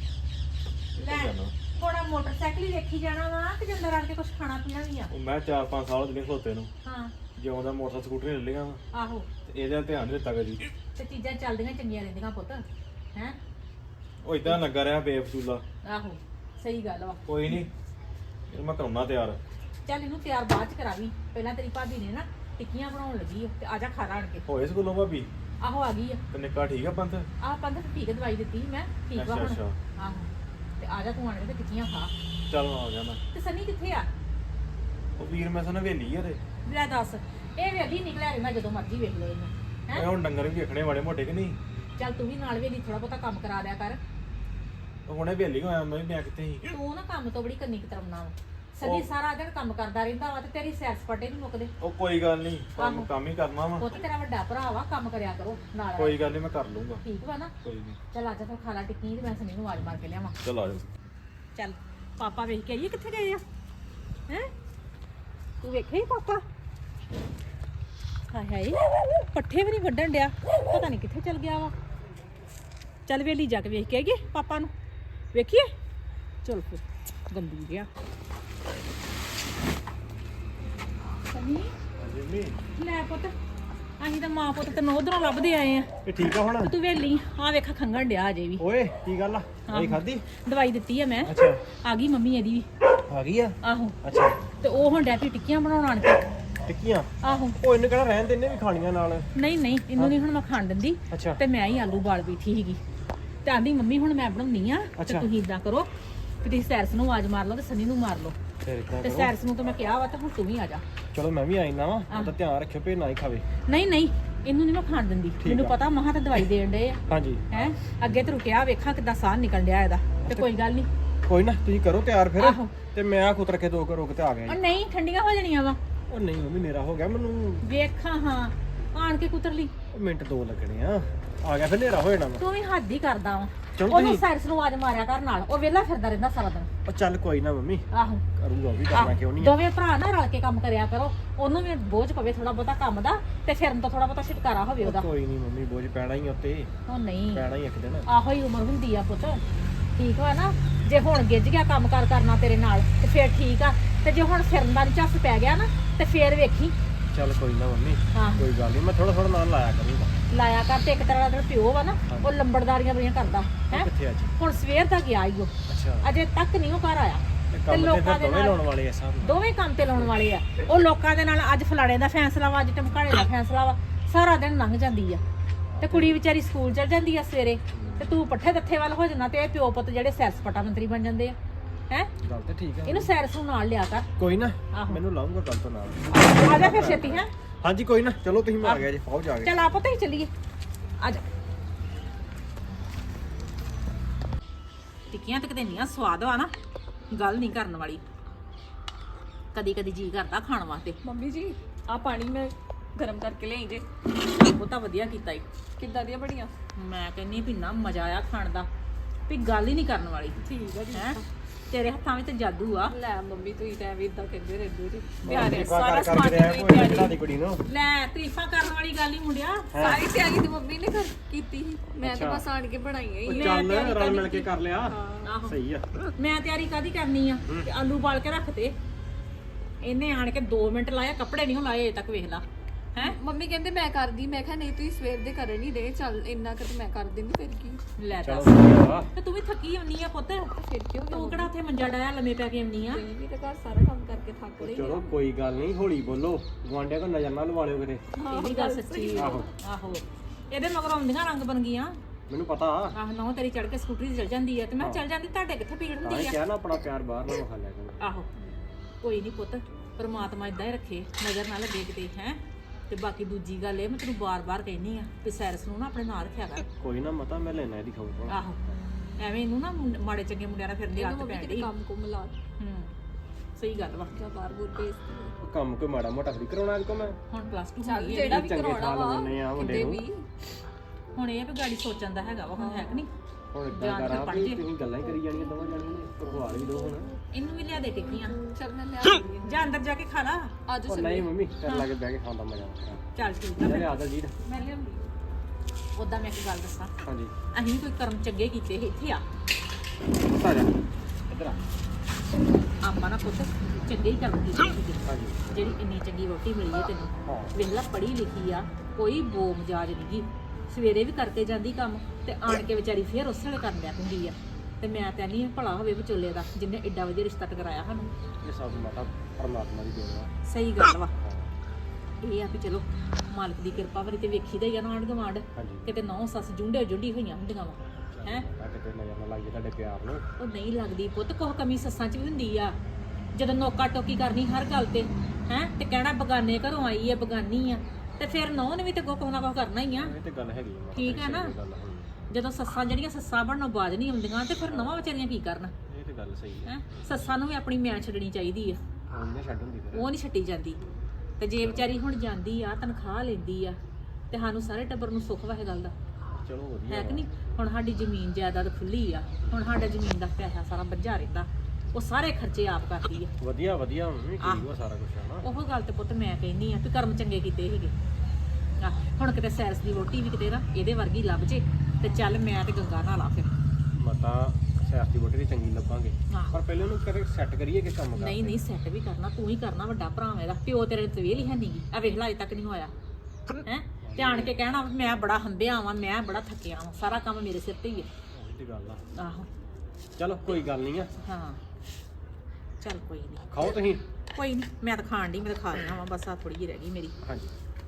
[SPEAKER 1] ਥੋੜਾ ਮੋਟਰਸਾਈਕਲ ਹੀ ਵੇਖੀ ਜਾਣਾ ਵਾ, ਕਿ ਜੰਦਰ ਆਣ ਕੇ ਕੁਝ ਖਾਣਾ ਪੀਣਾ ਵੀ ਆ।
[SPEAKER 3] ਉਹ ਮੈਂ 4-5 ਸਾਲ ਜਿਹੜੇ ਖਲੋਤੇ ਨੂੰ,
[SPEAKER 1] ਹਾਂ
[SPEAKER 3] ਜੇ ਉਹਦਾ ਮੋਟਰਸਾਈਕਲ ਸਕੂਟਰ ਲੈ ਲਿਆ ਵਾ,
[SPEAKER 1] ਆਹੋ,
[SPEAKER 3] ਤੇ ਇਹਦਾ ਧਿਆਨ ਨਹੀਂ ਦਿੱਤਾ ਕਦੀ।
[SPEAKER 1] ਤੇ ਚੀਜ਼ਾਂ ਚੱਲਦੀਆਂ ਚੰਗੀਆਂ ਰਹਿੰਦੀਆਂ ਪੁੱਤ ਹੈ।
[SPEAKER 3] ਉਹ ਇਦਾਂ ਲੱਗਾ ਰਿਹਾ ਬੇਫਸੂਲਾ।
[SPEAKER 1] ਆਹੋ ਸਹੀ ਗੱਲ ਵਾ।
[SPEAKER 3] ਕੋਈ ਨਹੀਂ, ਇਹਨੂੰ ਮੈਂ ਕਰਾਉਣਾ ਤਿਆਰ।
[SPEAKER 1] ਚੱਲ ਇਹਨੂੰ ਤਿਆਰ ਬਾਅਦ ਚ ਕਰਾਵੀਂ, ਪਹਿਲਾਂ ਤੇਰੀ ਭਾਬੀ ਨੇ ਨਾ ਟਿੱਕੀਆਂ ਬਣਾਉਣ ਲੱਗੀ ਆ, ਤੇ ਆਜਾ ਖਾ ਆਣ ਕੇ।
[SPEAKER 3] ਹੋਏ ਸਕੂਲੋਂ ਭਾਬੀ?
[SPEAKER 1] ਆਹੋ ਆ ਗਈ ਆ।
[SPEAKER 3] ਤੇ ਨਿੱਕਾ ਠੀਕ ਆ ਪੰਥ?
[SPEAKER 1] ਆਹ ਪੰਦ ਠੀਕ ਹੈ, ਦਵਾਈ ਦਿੱਤੀ ਮੈਂ, ਠੀਕ ਵਾ ਹੁਣ।
[SPEAKER 3] ਅੱਛਾ।
[SPEAKER 1] ਆਹੋ, ਤੇ ਆਜਾ ਤੂੰ ਆਣ ਕੇ ਤੇ ਟਿੱਕੀਆਂ ਖਾ।
[SPEAKER 3] ਚੱਲ ਆ ਗਿਆ ਮੈਂ।
[SPEAKER 1] ਤੇ ਸੰਨੀ ਕਿੱਥੇ ਆ?
[SPEAKER 3] ਉਹ ਵੀਰ ਮੈਂ ਸੁਣਿਆ ਹਵੇਲੀ ਆ ਤੇ।
[SPEAKER 1] ਲੈ ਦੱਸ, ਇਹ ਵੇਲੀ ਨਿਕਲਿਆ ਰਹਿੰਦਾ ਜਦੋਂ ਮਰਜ਼ੀ ਵੇਖ ਲਓ ਇਹਨੂੰ
[SPEAKER 3] ਮੈਂ
[SPEAKER 1] ਹੈ।
[SPEAKER 3] ਹੁਣ ਡੰਗਰ ਵੀ ਵੇਖਣੇ ਵਾਲੇ ਮੋਟੇ ਕਿ ਨਹੀਂ।
[SPEAKER 1] ਚੱਲ ਤੂੰ ਵੀ ਨਾਲ ਵੇਲੀ ਥੋੜਾ ਬਹੁਤਾ ਕੰਮ ਕਰਾ ਦਿਆ ਕਰ।
[SPEAKER 3] ਉਹ ਹੁਣੇ ਹਵੇਲੀ ਹੋਇਆ, ਮੈਂ ਕਿੱਥੇ ਸੀ।
[SPEAKER 1] ਤੂੰ ਨਾ ਕੰਮ ਤੋਂ ਬੜੀ ਕੰਨੀ ਕਤਰਾਉਣਾ ਵਾ। ਸੰਨੀ ਸਾਰਾ ਦਿਨ ਕੰਮ ਕਰਦਾ ਰਹਿੰਦਾ ਵਾ, ਤੇ ਤੇਰੀ ਸੈਰ ਸਪਾਟੇ ਨਹੀਂ ਮੁੱਕਦੇ।
[SPEAKER 3] ਉਹ ਕੋਈ ਗੱਲ ਨਹੀਂ,
[SPEAKER 1] ਆਹੋ।
[SPEAKER 3] ਕੰਮ ਹੀ ਕਰਨਾ ਵਾ।
[SPEAKER 1] ਪੁੱਤ ਤੇਰਾ ਵੱਡਾ ਭਰਾ ਵਾ, ਕੰਮ ਕਰਿਆ ਕਰੋ ਨਾਲ।
[SPEAKER 3] ਕੋਈ ਗੱਲ ਨਹੀਂ, ਮੈਂ ਕਰ ਲੂੰਗਾ।
[SPEAKER 1] ਠੀਕ ਵਾ ਨਾ?
[SPEAKER 3] ਕੋਈ ਨਹੀਂ,
[SPEAKER 1] ਚੱਲ ਆਜਾ ਫਿਰ ਖਾ ਲਾ ਟਿੱਕੀ, ਤੇ ਮੈਂ ਸੰਨੀ ਨੂੰ ਆਵਾਜ਼ ਮਾਰ ਕੇ ਲਿਆਵਾਂ।
[SPEAKER 3] ਚੱਲ ਆ ਜਾ।
[SPEAKER 1] ਚੱਲ ਪਾਪਾ ਵੇਖ ਕੇ ਆਈਏ ਕਿੱਥੇ ਗਏ ਆ ਹੈ। ਤੂੰ ਵੇਖਿਆ ਹੀ ਪਾਪਾ? ਹਾਏ ਹਾਏ, ਪੱਠੇ ਵੀ ਨਹੀਂ ਵੱਢਣ ਡਿਆ, ਪਤਾ ਨਹੀਂ ਕਿੱਥੇ ਚਲ ਗਿਆ ਵਾ। ਚੱਲ ਵੇਲੀ ਜਾ ਕੇ ਵੇਖ ਕੇ ਆਈਏ ਪਾਪਾ ਨੂੰ, ਵੇਖੀਏ। ਚਲ ਫਿਰ, ਗੰਦੀ ਗਿਆ ਸਨੀ।
[SPEAKER 3] ਜਿੰਮੀ,
[SPEAKER 1] ਲੈ ਪੁੱਤ, ਅਸੀਂ ਤਾਂ ਮਾਂ ਪੁੱਤ ਤੈਨੂੰ ਉਧਰੋਂ ਲੱਭਦੇ ਆਏ ਆ।
[SPEAKER 3] ਇਹ ਠੀਕ ਆ ਹੁਣ?
[SPEAKER 1] ਤੂੰ ਵੇਲੀ ਆ ਵੇਖਾ ਖੰਗਣ ਡਿਆ ਅਜੇ ਵੀ।
[SPEAKER 3] ਓਏ ਕੀ ਗੱਲ ਆ, ਦਵਾਈ ਖਾਧੀ?
[SPEAKER 1] ਦਵਾਈ ਦਿੱਤੀ ਆ ਮੈਂ।
[SPEAKER 3] ਅੱਛਾ,
[SPEAKER 1] ਆ ਗਈ ਮੰਮੀ ਇਹਦੀ ਵੀ।
[SPEAKER 3] ਆ ਗਈ ਆ?
[SPEAKER 1] ਆਹੋ,
[SPEAKER 3] ਅੱਛਾ,
[SPEAKER 1] ਤੇ ਉਹ ਹੁਣ ਡੈਪੀ ਟਿੱਕੀਆਂ ਬਣਾਉਣ ਆਣ ਕੇ।
[SPEAKER 3] ਟਿੱਕੀਆਂ?
[SPEAKER 1] ਆਹੋ,
[SPEAKER 3] ਉਹ ਇਹਨੂੰ ਕਿਹੜਾ ਰਹਿਣ ਦਿੰਨੇ, ਵੀ ਖਾਣੀਆਂ ਨਾਲ?
[SPEAKER 1] ਨਹੀਂ ਨਹੀਂ, ਇਹਨੂੰ ਨਹੀਂ ਹੁਣ ਮੈਂ ਖਾਣ ਦਿੰਦੀ।
[SPEAKER 3] ਅੱਛਾ,
[SPEAKER 1] ਤੇ ਮੈਂ ਹੀ ਆਲੂ ਬਾਲ ਬੈਠੀ ਸੀਗੀ, ਤੇ ਆਂਦੀ ਮੰਮੀ ਹੁਣ ਮੈਂ ਬਣਾਉਣੀ ਆ, ਤੇ
[SPEAKER 3] ਅੱਛਾ।
[SPEAKER 1] ਤੁਸੀਂ ਇਦਾਂ ਕਰੋ ਕਿ ਤੁਸੀਂ ਸੈਰਸ ਨੂੰ ਆਵਾਜ਼ ਮਾਰ ਲਓ ਤੇ ਸਨੀ ਨੂੰ ਮਾਰ ਲਓ।
[SPEAKER 3] ਫਿਰ ਇਦਾਂ
[SPEAKER 1] ਤੇ
[SPEAKER 3] ਕਰੋ।
[SPEAKER 1] ਸੈਰਸ ਨੂੰ ਤਾਂ ਮੈਂ ਕਿਹਾ ਵਾ, ਤੇ ਹੁਣ ਤੂੰ ਵੀ ਆ ਜਾ।
[SPEAKER 3] ਚਲੋ ਮੈਂ ਵੀ ਆਇਨਾ ਵਾ, ਉਹ ਤਾਂ ਧਿਆਨ ਰੱਖਿਓ ਵੀ ਨਾ ਹੀ ਖਾਵੇ।
[SPEAKER 1] ਨਹੀਂ ਨਹੀਂ, ਇਹਨੂੰ ਨਹੀਂ ਮੈਂ ਖਾਣ ਦਿੰਦੀ, ਮੈਨੂੰ ਪਤਾ ਮਹਾ ਤਾਂ ਦਵਾਈ ਦੇਣ ਡਏ ਆ।
[SPEAKER 3] ਹਾਂਜੀ
[SPEAKER 1] ਹੈ, ਅੱਗੇ ਤੇ ਰੁਕਿਆ, ਵੇਖਾਂ ਕਿੱਦਾਂ ਸਾਹ ਨਿਕਲ ਡਿਆ ਇਹਦਾ। ਤੇ ਕੋਈ ਗੱਲ ਨਹੀਂ,
[SPEAKER 3] ਕੋਈ ਨਾ, ਤੁਸੀਂ ਕਰੋ ਤਿਆਰ ਫਿਰ।
[SPEAKER 1] ਆਹੋ।
[SPEAKER 3] ਤੇ ਮੈਂ ਆ ਕੁਤਰ ਕੇ ਦੋ ਰੁਕ ਤੇ ਆ ਗਿਆ
[SPEAKER 1] ਉਹ
[SPEAKER 3] ਜੀ।
[SPEAKER 1] ਨਹੀਂ, ਠੰਡੀਆਂ ਹੋ ਜਾਣੀਆਂ ਵਾ।
[SPEAKER 3] ਉਹ ਨਹੀਂ ਮੰਮੀ, ਨੇਰਾ ਹੋ ਗਿਆ ਮੈਨੂੰ।
[SPEAKER 1] ਵੇਖਾਂ ਹਾਂ, ਆਣ ਕੇ ਕੁਤਰ ਲਈ।
[SPEAKER 3] ਉਹ ਮਿੰਟ 2 ਲੱਗਣੇ ਆ ਗਿਆ, ਫਿਰ ਨੇਰਾ ਹੋ ਜਾਣਾ ਵਾ।
[SPEAKER 1] ਤੂੰ ਵੀ ਹੱਦ ਹੀ ਕਰਦਾ ਵਾ।
[SPEAKER 3] ਚਲੋ
[SPEAKER 1] ਉਹਨੂੰ
[SPEAKER 3] ਤੁਸੀਂ
[SPEAKER 1] ਸੈਰਸ ਨੂੰ ਆਵਾਜ਼ ਮਾਰਿਆ ਕਰ ਨਾਲ, ਉਹ ਵਿਹਲਾ ਫਿਰਦਾ ਰਹਿੰਦਾ ਸਾਰਾ ਦਿਨ।
[SPEAKER 4] ਉਹ ਚੱਲ ਕੋਈ ਨਾ ਮੰਮੀ
[SPEAKER 1] ਆਹੋ
[SPEAKER 4] ਕਰੂਗਾ ਉਹ ਵੀ ਕਰਨਾ ਕਿਉਂ ਨਹੀਂ
[SPEAKER 1] ਦੋਵੇਂ ਭਰਾ ਨਾ ਰਲ ਕੇ ਕੰਮ ਕਰਿਆ ਕਰੋ, ਉਹਨੂੰ ਵੀ ਬੋਝ ਪਵੇ ਥੋੜਾ ਬਹੁਤਾ ਕੰਮ ਦਾ, ਤੇ ਫਿਰਨ ਤੋਂ ਥੋੜਾ ਬਹੁਤਾ ਛੁਟਕਾਰਾ ਹੋਵੇ ਉਹਦਾ।
[SPEAKER 4] ਕੋਈ ਨਹੀਂ ਮੰਮੀ ਬੋਝ ਪੈਣਾ ਹੀ ਉੱਤੇ,
[SPEAKER 1] ਉਹ ਨਹੀਂ
[SPEAKER 4] ਪੈਣਾ ਹੀ ਇੱਕ ਦਿਨ।
[SPEAKER 1] ਆਹੋ ਹੀ ਉਮਰ ਹੁੰਦੀ ਆ ਪੁੱਤ, ਠੀਕ ਵਾ ਨਾ। ਜੇ ਹੁਣ ਗਿੱਜ ਗਿਆ ਕੰਮ ਕਾਰ ਕਰਨਾ ਤੇਰੇ ਨਾਲ ਤੇ ਫੇਰ ਠੀਕ ਆ, ਤੇ ਜੇ ਹੁਣ ਫਿਰਨ ਦਾ ਨੀ ਝੱਸ ਪੈ ਗਿਆ ਨਾ ਤੇ ਫੇਰ ਵੇਖੀ।
[SPEAKER 4] ਚੱਲ ਕੋਈ ਨਾ ਮੰਮੀ
[SPEAKER 1] ਹਾਂ
[SPEAKER 4] ਕੋਈ ਗੱਲ ਨਹੀਂ, ਮੈਂ ਥੋੜਾ ਨਾਲ ਲਾਇਆ ਕਰੂੰਗਾ।
[SPEAKER 1] ਲਾਇਆ ਕਰ, ਤੇ ਇੱਕ ਤਰ੍ਹਾਂ ਦਾ ਪਿਓ ਵਾ ਨਾ, ਉਹ ਲੰਬੜਦਾਰੀਆਂ ਬੜੀਆਂ ਕਰਦਾ ਹੈ।
[SPEAKER 4] ਕਿੱਥੇ ਅੱਜ?
[SPEAKER 1] ਹੁਣ ਸਵੇਰ ਦਾ ਗਿਆ ਈ ਉਹ,
[SPEAKER 4] ਅੱਛਾ
[SPEAKER 1] ਅਜੇ ਤੱਕ ਨਹੀਂ ਉਹ ਘਰ ਆਇਆ।
[SPEAKER 4] ਤੇ ਕੰਮ ਤੇ ਫਿਰ ਦੋਵੇਂ ਲਾਉਣ ਵਾਲੇ ਆ ਸਭ।
[SPEAKER 1] ਦੋਵੇਂ ਕੰਮ ਤੇ ਲਾਉਣ ਵਾਲੇ ਆ। ਉਹ ਲੋਕਾਂ ਦੇ ਨਾਲ ਅੱਜ ਫਲਾਣੇ ਦਾ ਫੈਸਲਾ ਵਾ, ਅੱਜ ਟਮਕਾਣੇ ਦਾ ਫੈਸਲਾ ਵਾ, ਸਾਰਾ ਦਿਨ ਲੰਘ ਜਾਂਦੀ ਆ। ਤੇ ਕੁੜੀ ਵਿਚਾਰੀ ਸਕੂਲ ਚਲ ਜਾਂਦੀ ਆ ਸਵੇਰੇ, ਤੇ ਤੂੰ ਪੱਠੇ ਦੱਥੇ ਵੱਲ ਹੋ ਜਾਣਾ, ਤੇ ਇਹ ਪਿਓ ਪੁੱਤ ਜਿਹੜੇ ਸੈਰ ਸਪਾਟਾ ਮੰਤਰੀ ਬਣ ਜਾਂਦੇ ਆ ਹੈ।
[SPEAKER 4] ਗੱਲ ਤੇ ਠੀਕ ਹੈ,
[SPEAKER 1] ਇਹਨੂੰ ਸੈਰ ਸੂ ਨਾਲ ਲਿਆ ਕਰ।
[SPEAKER 4] ਕੋਈ ਨਾ
[SPEAKER 1] ਆਹੋ।
[SPEAKER 4] ਮੈਨੂੰ ਲਾਉਂਗਾ ਗੱਲ ਤੋਂ ਨਾਲ।
[SPEAKER 1] ਆ ਜਾ ਫਿਰ ਛੇਤੀ ਹੈ।
[SPEAKER 4] ਹਾਂਜੀ ਕੋਈ ਨਾ, ਚਲੋ ਤੁਸੀਂ ਮੈਂ ਆ ਗਿਆ ਜੀ, ਪਾਓ ਜਾ ਕੇ।
[SPEAKER 1] ਚਲ ਆ ਪੁੱਤ ਹੀ ਚੱਲੀਏ, ਆ ਜਾ। ਟਿੱਕੀਆਂ ਤੇ ਕਿਤੇ ਇੰਨੀਆਂ ਸਵਾਦ ਵਾ ਨਾ, ਗੱਲ ਨਹੀਂ ਕਰਨ ਵਾਲੀ। ਕਦੀ ਕਦੀ ਜੀ ਕਰਦਾ ਖਾਣ ਵਾਸਤੇ।
[SPEAKER 2] ਮੰਮੀ ਜੀ ਆ ਪਾਣੀ ਮੈਂ ਗਰਮ ਕਰਕੇ ਲਿਆਈ ਜੇ।
[SPEAKER 1] ਉਹ ਤਾਂ ਵਧੀਆ ਕੀਤਾ ਈ।
[SPEAKER 2] ਕਿੱਦਾਂ ਦੀਆਂ ਬੜੀਆਂ?
[SPEAKER 1] ਮੈਂ ਕਹਿੰਨੀ ਵੀ ਨਾ ਮਜ਼ਾ ਆਇਆ ਖਾਣ ਦਾ, ਵੀ ਗੱਲ ਹੀ ਨਹੀਂ ਕਰਨ ਵਾਲੀ।
[SPEAKER 2] ਠੀਕ ਆ ਜੀ।
[SPEAKER 1] ਹੈ ਤੇਰੇ ਹੱਥਾਂ ਵਿੱਚ ਜਾਦੂ ਆ।
[SPEAKER 2] ਲੈ ਮੰਮੀ ਤੁਸੀਂ ਤਾਂ ਐਵੇਂ ਇਦਾਂ ਕਹਿੰਦੇ ਰਹਿੰਦੇ ਜੀ।
[SPEAKER 4] ਪਿਆਰੇ
[SPEAKER 2] ਪਿਆਰੇ
[SPEAKER 4] ਸਾਰਾ
[SPEAKER 2] ਸਾਰਾ
[SPEAKER 4] ਕਰ
[SPEAKER 2] ਸਮਾਨ
[SPEAKER 4] ਰਿਹਾ
[SPEAKER 2] ਤੁਸੀਂ
[SPEAKER 4] ਕੋਈ
[SPEAKER 2] ਤਿਆਰੀ।
[SPEAKER 4] ਜਿਹੜਾ ਦੀ ਕੁੜੀ ਨੂੰ।
[SPEAKER 1] ਲੈ ਤਾਰੀਫਾਂ ਕਰਨ ਵਾਲੀ ਗੱਲ ਹੀ ਮੁੰਡਿਆ।
[SPEAKER 2] ਸਾਰੀ ਤਿਆਰੀ ਤੇ ਮੰਮੀ ਨੇ ਕੀਤੀ ਸੀ, ਮੈਂ ਤਾਂ ਬਸ ਆਣ ਕੇ ਬਣਾਈਆਂ ਹੀ ਆ।
[SPEAKER 4] ਚੱਲ ਰਲ ਮਿਲ ਕੇ ਕਰ ਲਿਆ,
[SPEAKER 1] ਆਹੋ
[SPEAKER 4] ਸਹੀ ਆ।
[SPEAKER 1] ਮੈਂ ਤਿਆਰੀ ਕਾਦੀ ਕਰਨੀ ਆ, ਤੇ ਆਲੂ ਬਾਲ ਕੇ ਰੱਖਤੇ। ਇਹਨੇ ਆਣ ਕੇ 2 ਮਿੰਟ ਲਾਇਆ, ਕੱਪੜੇ ਨਹੀਂ ਲਾਏ ਅਜੇ ਤੱਕ, ਵੇਖ ਲਾ ਹੈ।
[SPEAKER 2] ਮੰਮੀ ਕਹਿੰਦੇ ਮੈਂ ਕਰਦੀ, ਮੈਂ ਕਿਹਾ ਨਹੀਂ ਤੁਸੀਂ ਸਵੇਰ ਦੇ ਕਰਨ ਹੀ ਦੇ, ਚੱਲ ਇੰਨਾ ਕੁ ਤੇ ਮੈਂ ਕਰ ਦਿੰਦੀ, ਫਿਰ ਕੀ।
[SPEAKER 1] ਲੈ
[SPEAKER 4] ਚਲੋ
[SPEAKER 1] ਦੱਸ,
[SPEAKER 4] ਵਧੀਆ ਵਾ।
[SPEAKER 1] ਤੇ ਤੂੰ ਵੀ ਥੱਕੀ ਆਉਣੀ ਆ ਪੁੱਤ,
[SPEAKER 2] ਫਿਰ ਕਿਉਂ
[SPEAKER 1] ਤੂੰ ਕਿਹੜਾ ਉੱਥੇ ਮੰਜਾ ਡਾਇਆ ਲੰਮੇ ਪੈ ਕੇ ਆਉਣੀ ਆ।
[SPEAKER 2] ਤੁਸੀਂ ਵੀ ਤਾਂ ਘਰ ਸਾਰਾ ਕੰਮ ਕਰਕੇ ਥੱਕ ਲਈ।
[SPEAKER 4] ਚਲੋ ਕੋਈ ਗੱਲ ਨਹੀਂ, ਹੌਲੀ ਬੋਲੋ, ਗੁਆਂਢੀਆਂ ਕੋ ਨਜ਼ਰ ਨਾ ਲਵਾ ਲਿਓ ਕਿਤੇ।
[SPEAKER 1] ਇਹ ਵੀ ਗੱਲ ਸੱਚੀ ਆ।
[SPEAKER 4] ਆਹੋ।
[SPEAKER 1] ਆਹੋ ਇਹਦੇ ਮਗਰ ਆਉਂਦੀਆਂ ਰੰਗ ਬਣ ਗਈਆਂ।
[SPEAKER 4] ਮੈਨੂੰ ਪਤਾ
[SPEAKER 1] ਆਹ ਨੌ ਤੇਰੀ ਚੜ ਕੇ ਸਕੂਟਰੀ ਤੇ ਚਲ ਜਾਂਦੀ ਆ, ਤੇ ਮੈਂ ਚੱਲ ਜਾਂਦੀ, ਤੁਹਾਡੇ ਕਿੱਥੇ ਭੀੜ
[SPEAKER 4] ਤਾਂ
[SPEAKER 1] ਹੁੰਦੀ ਆ।
[SPEAKER 4] ਕਿਹਾ ਨਾ ਆਪਣਾ ਪਿਆਰ ਬਾਹਰ ਨਾ ਵਿਖਾ ਲਿਆ ਕਰੋ।
[SPEAKER 1] ਆਹੋ ਕੋਈ ਨਹੀਂ ਪੁੱਤ, ਪਰਮਾਤਮਾ ਇਦਾਂ ਹੀ ਰੱਖੇ, ਨਜ਼ਰ ਨਾ ਲੱਗੇ ਕਿਤੇ ਹੈ। ਤੇ ਬਾਕੀ ਦੂਜੀ ਗੱਲ ਇਹ, ਮੈਂ ਤੈਨੂੰ ਬਾਰ-ਬਾਰ ਕਹਿੰਨੀ ਆ ਵੀ ਸੈਰਸ ਨੂੰ ਨਾ ਆਪਣੇ ਨਾਲ ਰੱਖਿਆ ਕਰ।
[SPEAKER 4] ਕੋਈ ਨਾ ਮਤਾ ਮੈਂ ਲੈਣਾ ਇਹਦੀ ਖਬਰ।
[SPEAKER 1] ਆਹੋ ਐਵੇਂ ਇਹਨੂੰ ਨਾ ਮਾੜੇ ਚੰਗੇ ਮੁੰਡਿਆਂ ਨਾਲ ਫਿਰਨ ਦੀ ਆਦਤ
[SPEAKER 2] ਮੰਮੀ
[SPEAKER 1] ਪੈਣ
[SPEAKER 2] ਕਿਤੇ
[SPEAKER 1] ਡਈ।
[SPEAKER 2] ਕੰਮ ਕੁਮ ਲਾ
[SPEAKER 1] ਸਹੀ ਗੱਲ ਵਾ।
[SPEAKER 2] ਜਾਂ ਬਾਹਰ ਬੂਰ ਭੇਜਦੀ।
[SPEAKER 4] ਉਹ ਕੰਮ ਕੋਈ ਮਾੜਾ ਮੋਟਾ ਥੋੜੀ ਕਰਾਉਣਾ ਅੱਜ ਕੋ ਮੈਂ।
[SPEAKER 1] ਹੁਣ +2 ਹੋ
[SPEAKER 2] ਚੱਲ
[SPEAKER 1] ਗਈ
[SPEAKER 2] ਜਿਹੜਾ
[SPEAKER 1] ਹੈ।
[SPEAKER 2] ਵੀ
[SPEAKER 4] ਚੰਗੇ
[SPEAKER 2] ਕਰਾਉਣਾ
[SPEAKER 4] ਖਾ
[SPEAKER 2] ਵਾ
[SPEAKER 4] ਲੈਂਦੇ ਆ ਮੁੰਡੇ
[SPEAKER 2] ਕਿਤੇ
[SPEAKER 4] ਨੂੰ।
[SPEAKER 2] ਵੀ।
[SPEAKER 1] ਹੁਣ ਇਹ ਆ ਵੀ ਗਾੜੀ ਸੋਚਣ ਦਾ ਹੈਗਾ ਵਾ, ਹੁਣ ਹੈ ਕਿ ਨਹੀਂ।
[SPEAKER 4] ਹੁਣ ਇਦਾਂ
[SPEAKER 1] ਜਾਣ ਕੇ
[SPEAKER 4] ਕਰਾਂ
[SPEAKER 1] ਪੜ੍ਹ
[SPEAKER 4] ਵੀ
[SPEAKER 1] ਜੇ।
[SPEAKER 4] ਤੁਸੀਂ ਗੱਲਾਂ ਹੀ ਕਰੀ ਜਾਣੀਆਂ ਦੋਵਾਂ ਜਾਣੀਆਂ ਨੇ, ਪਰਵਾਹ ਵੀ ਦੋ ਹੁਣ।
[SPEAKER 1] ਇਹਨੂੰ ਵੀ ਲਿਆ ਦੇ ਟਿੱਕੀਆਂ,
[SPEAKER 2] ਚੱਲ ਮੈਂ ਲਿਆ ਦਿੰਦੀ ਹਾਂ।
[SPEAKER 1] ਜਾਂ ਅੰਦਰ ਜਾ ਕੇ ਖਾ ਲਾ।
[SPEAKER 2] ਅੱਜ
[SPEAKER 4] ਉਹ ਨਹੀਂ ਮੰਮੀ ਕਰ ਲਾ ਕੇ ਬਹਿ ਕੇ ਖਾਣ ਦਾ ਮਜ਼ਾ ਆਉਂਦਾ।
[SPEAKER 1] ਚੱਲ ਠੀਕ ਆ
[SPEAKER 4] ਲੈ
[SPEAKER 1] ਫਿਰ।
[SPEAKER 4] ਆਦਾ ਜੀ।
[SPEAKER 1] ਮੈਂ ਲਿਆਉਂਦੀ। ਉਦਾਂ ਮੈਂ ਇੱਕ ਗੱਲ ਦੱਸਾਂ,
[SPEAKER 4] ਹਾਂਜੀ
[SPEAKER 1] ਅਸੀਂ ਕੋਈ ਕਰਮ ਚੰਗੇ ਕੀਤੇ ਸੀ ਇੱਥੇ ਆ।
[SPEAKER 4] ਆ ਜਾ ਇੱਧਰ ਆ।
[SPEAKER 1] ਆਪਾਂ ਨਾ ਪੁੱਤ ਚੰਗੇ ਹੀ ਕਰਮ ਕੀਤੇ ਸੀਗੇ।
[SPEAKER 4] ਹਾਂਜੀ
[SPEAKER 1] ਜਿਹੜੀ ਇੰਨੀ ਚੰਗੀ ਰੋਟੀ ਮਿਲੀ ਹੈ ਤੈਨੂੰ,
[SPEAKER 4] ਹਾਂ।
[SPEAKER 1] ਵੇਖ ਲਾ ਪੜ੍ਹੀ ਲਿਖੀ ਆ, ਕੋਈ ਬੋ ਮਜਾਜ ਨਹੀਂਗੀ। ਸਵੇਰੇ ਵੀ ਕਰਕੇ ਜਾਂਦੀ ਕੰਮ, ਤੇ ਆਣ ਕੇ ਵਿਚਾਰੀ ਫੇਰ ਉਸ ਵੇਲੇ ਕਰਨ ਲੱਗ ਹੁੰਦੀ ਆ। ਤੇ ਮੈਂ ਤਾਂ ਨਹੀਂ ਭਲਾ ਹੋਵੇ ਵਿਚੋਲੇ ਦਾ, ਜਿੰਨੇ ਐਡਾ ਵਧੀਆ ਰਿਸ਼ਤਾ ਟਕਰਾਇਆ ਸਾਨੂੰ।
[SPEAKER 4] ਇਹ ਸਭ ਮਾਤਾ ਪਰਮਾਤਮਾ ਦੀ ਦੇਣ ਵਾ।
[SPEAKER 1] ਸਹੀ ਗੱਲ ਵਾ।
[SPEAKER 4] ਹਾਂ।
[SPEAKER 1] ਇਹ ਆ ਵੀ ਚਲੋ ਮਾਲਕ ਦੀ ਕਿਰਪਾ ਵਰੀ ਤੇ ਵੇਖੀਦਾ ਹੀ ਆ ਆਂਢ ਗੁਆਂਢ,
[SPEAKER 4] ਹਾਂਜੀ
[SPEAKER 1] ਕਿਤੇ ਨੌ ਸੱਸ ਜੁੰਡੇ ਜੁੰਡੀ ਹੋਈਆਂ ਹੁੰਦੀਆਂ ਵਾ ਹੈ।
[SPEAKER 4] ਮੈਂ ਕਿਤੇ ਨਜ਼ਰ ਨਾ ਲਾਈਏ ਤੁਹਾਡੇ ਪਿਆਰ ਨੂੰ।
[SPEAKER 1] ਉਹ ਨਹੀਂ ਲੱਗਦੀ ਪੁੱਤ, ਕੋਹ ਕਮੀ ਸੱਸਾਂ 'ਚ ਵੀ ਹੁੰਦੀ ਆ। ਜਦੋਂ ਨੋਕਾ ਟੋਕੀ ਕਰਨੀ ਹਰ ਗੱਲ ਤੇ ਹੈ, ਤੇ ਕਹਿਣਾ ਬਗਾਨੇ ਘਰੋਂ ਆਈ ਆ, ਬਗਾਨੀ ਆ, ਤੇ ਫਿਰ ਨੌ ਨੇ ਵੀ ਤੇ ਕੋਹ ਨਾ ਕੋਹ ਕਰਨਾ ਹੀ ਆ।
[SPEAKER 4] ਇਹ ਤੇ ਗੱਲ ਹੈਗੀ ਆ ਮਾਤਾ,
[SPEAKER 1] ਠੀਕ ਆ ਨਾ।
[SPEAKER 4] ਇਹ ਗੱਲ ਹੈਗੀ।
[SPEAKER 1] ਜਦੋਂ ਸੱਸਾਂ ਜਿਹੜੀਆਂ ਸੱਸਾਂ ਬਣਨੋਂ ਬਾਜ ਨਹੀਂ ਆਉਂਦੀਆਂ, ਤੇ ਫਿਰ ਨਵਾਂ ਵਿਚਾਰੀਆਂ ਕੀ ਕਰਨ
[SPEAKER 4] ਇਹ ਤੇ ਗੱਲ ਸਹੀ ਹੈ।
[SPEAKER 1] ਹੈ। ਸੱਸਾਂ ਨੂੰ ਵੀ ਆਪਣੀ ਮਿਆਨ ਛੱਡਣੀ ਚਾਹੀਦੀ ਆ,
[SPEAKER 4] ਉਹਨੇ ਛੱਡ ਹੁੰਦੀ ਫਿਰ।
[SPEAKER 1] ਉਹ ਨਹੀਂ ਛੱਡੀ ਜਾਂਦੀ। ਤੇ ਜੇ ਵਿਚਾਰੀ ਹੁਣ ਜਾਂਦੀ ਆ, ਤਨਖਾਹ ਲੈਂਦੀ ਆ, ਤੇ ਸਾਨੂੰ ਸਾਰੇ ਟੱਬਰ ਨੂੰ ਸੁੱਖ ਵਾ ਇਹ ਗੱਲ ਦਾ,
[SPEAKER 4] ਚਲੋ ਵਧੀਆ
[SPEAKER 1] ਹੈ ਕਿ
[SPEAKER 4] ਵਾ।
[SPEAKER 1] ਨਹੀਂ। ਹੁਣ ਸਾਡੀ ਜ਼ਮੀਨ ਜਾਇਦਾਦ ਖੁੱਲੀ ਆ, ਹੁਣ ਸਾਡਾ ਜ਼ਮੀਨ ਦਾ ਪੈਸਾ ਸਾਰਾ ਬੱਝਾ ਰਹਿੰਦਾ, ਉਹ ਸਾਰੇ ਖਰਚੇ ਆਪ ਕਰਦੀ ਆ।
[SPEAKER 4] ਵਧੀਆ ਵਧੀਆ ਮੰਮੀ ਠੀਕ ਵਾ ਸਾਰਾ ਕੁਝ ਹੈ ਨਾ।
[SPEAKER 1] ਉਹ ਗੱਲ ਤੇ ਪੁੱਤ ਮੈਂ ਕਹਿੰਦੀ ਆ ਵੀ ਕਰਮ ਚੰਗੇ ਕੀਤੇ ਸੀਗੇ। ਆ ਹੁਣ ਕਿਤੇ ਸੈਰਸ ਦੀ ਵੋਟੀ ਵੀ ਕਿਤੇ ਨਾ ਇਹਦੇ ਵਰਗੀ ਲੱਭ ਜੇ, ਤੇ ਚੱਲ ਮੈਂ ਤੇ ਗੰਗਾ ਨਾਲ ਆ ਫਿਰ।
[SPEAKER 4] ਮਾਤਾ ਸਿਆਸਤੀ ਵੋਟੀ ਦੀ ਚੰਗੀ ਲੱਭਾਂਗੇ,
[SPEAKER 1] ਆਹੋ।
[SPEAKER 4] ਪਰ ਪਹਿਲੇ ਉਹਨੂੰ ਕਰੇ ਸੈੱਟ ਕਰੀਏ ਕਿ ਕੰਮ ਕਰ।
[SPEAKER 1] ਨਹੀਂ ਨਹੀਂ ਸੈੱਟ ਵੀ ਕਰਨਾ, ਤੂੰ ਹੀ ਕਰਨਾ, ਵੱਡਾ ਭਰਾ ਮੇਰਾ। ਪਿਓ ਤੇਰੇ ਤੇ ਵੇਲ ਹੀ ਹੈ ਨਹੀਂਗੀ, ਆ ਵੇਖ ਲਾ ਅਜੇ ਤੱਕ ਨਹੀਂ ਹੋਇਆ ਹੈ। ਤੇ ਆਣ ਕੇ ਕਹਿਣਾ ਵੀ ਮੈਂ ਬੜਾ ਹੰਬਿਆ ਵਾਂ, ਮੈਂ ਬੜਾ ਥੱਕਿਆ ਵਾਂ, ਸਾਰਾ ਕੰਮ ਮੇਰੇ ਸਿਰ ਤੇ ਹੀ ਹੈ।
[SPEAKER 4] ਉਹੀ ਤੇ ਗੱਲ ਆ।
[SPEAKER 1] ਆਹੋ
[SPEAKER 4] ਚਲੋ ਕੋਈ ਗੱਲ ਨਹੀਂ ਆ,
[SPEAKER 1] ਹਾਂ ਚੱਲ ਕੋਈ ਨਹੀਂ,
[SPEAKER 4] ਖਾਓ ਤੁਸੀਂ।
[SPEAKER 1] ਕੋਈ ਨਹੀਂ, ਮੈਂ ਤਾਂ ਖਾਣ ਡਈ, ਮੈਂ ਤਾਂ ਖਾ ਲਿਆ ਵਾਂ, ਬਸ ਆ ਥੋੜੀ ਜਿਹੀ ਰਹਿ ਗਈ ਮੇਰੀ।
[SPEAKER 4] ਹਾਂਜੀ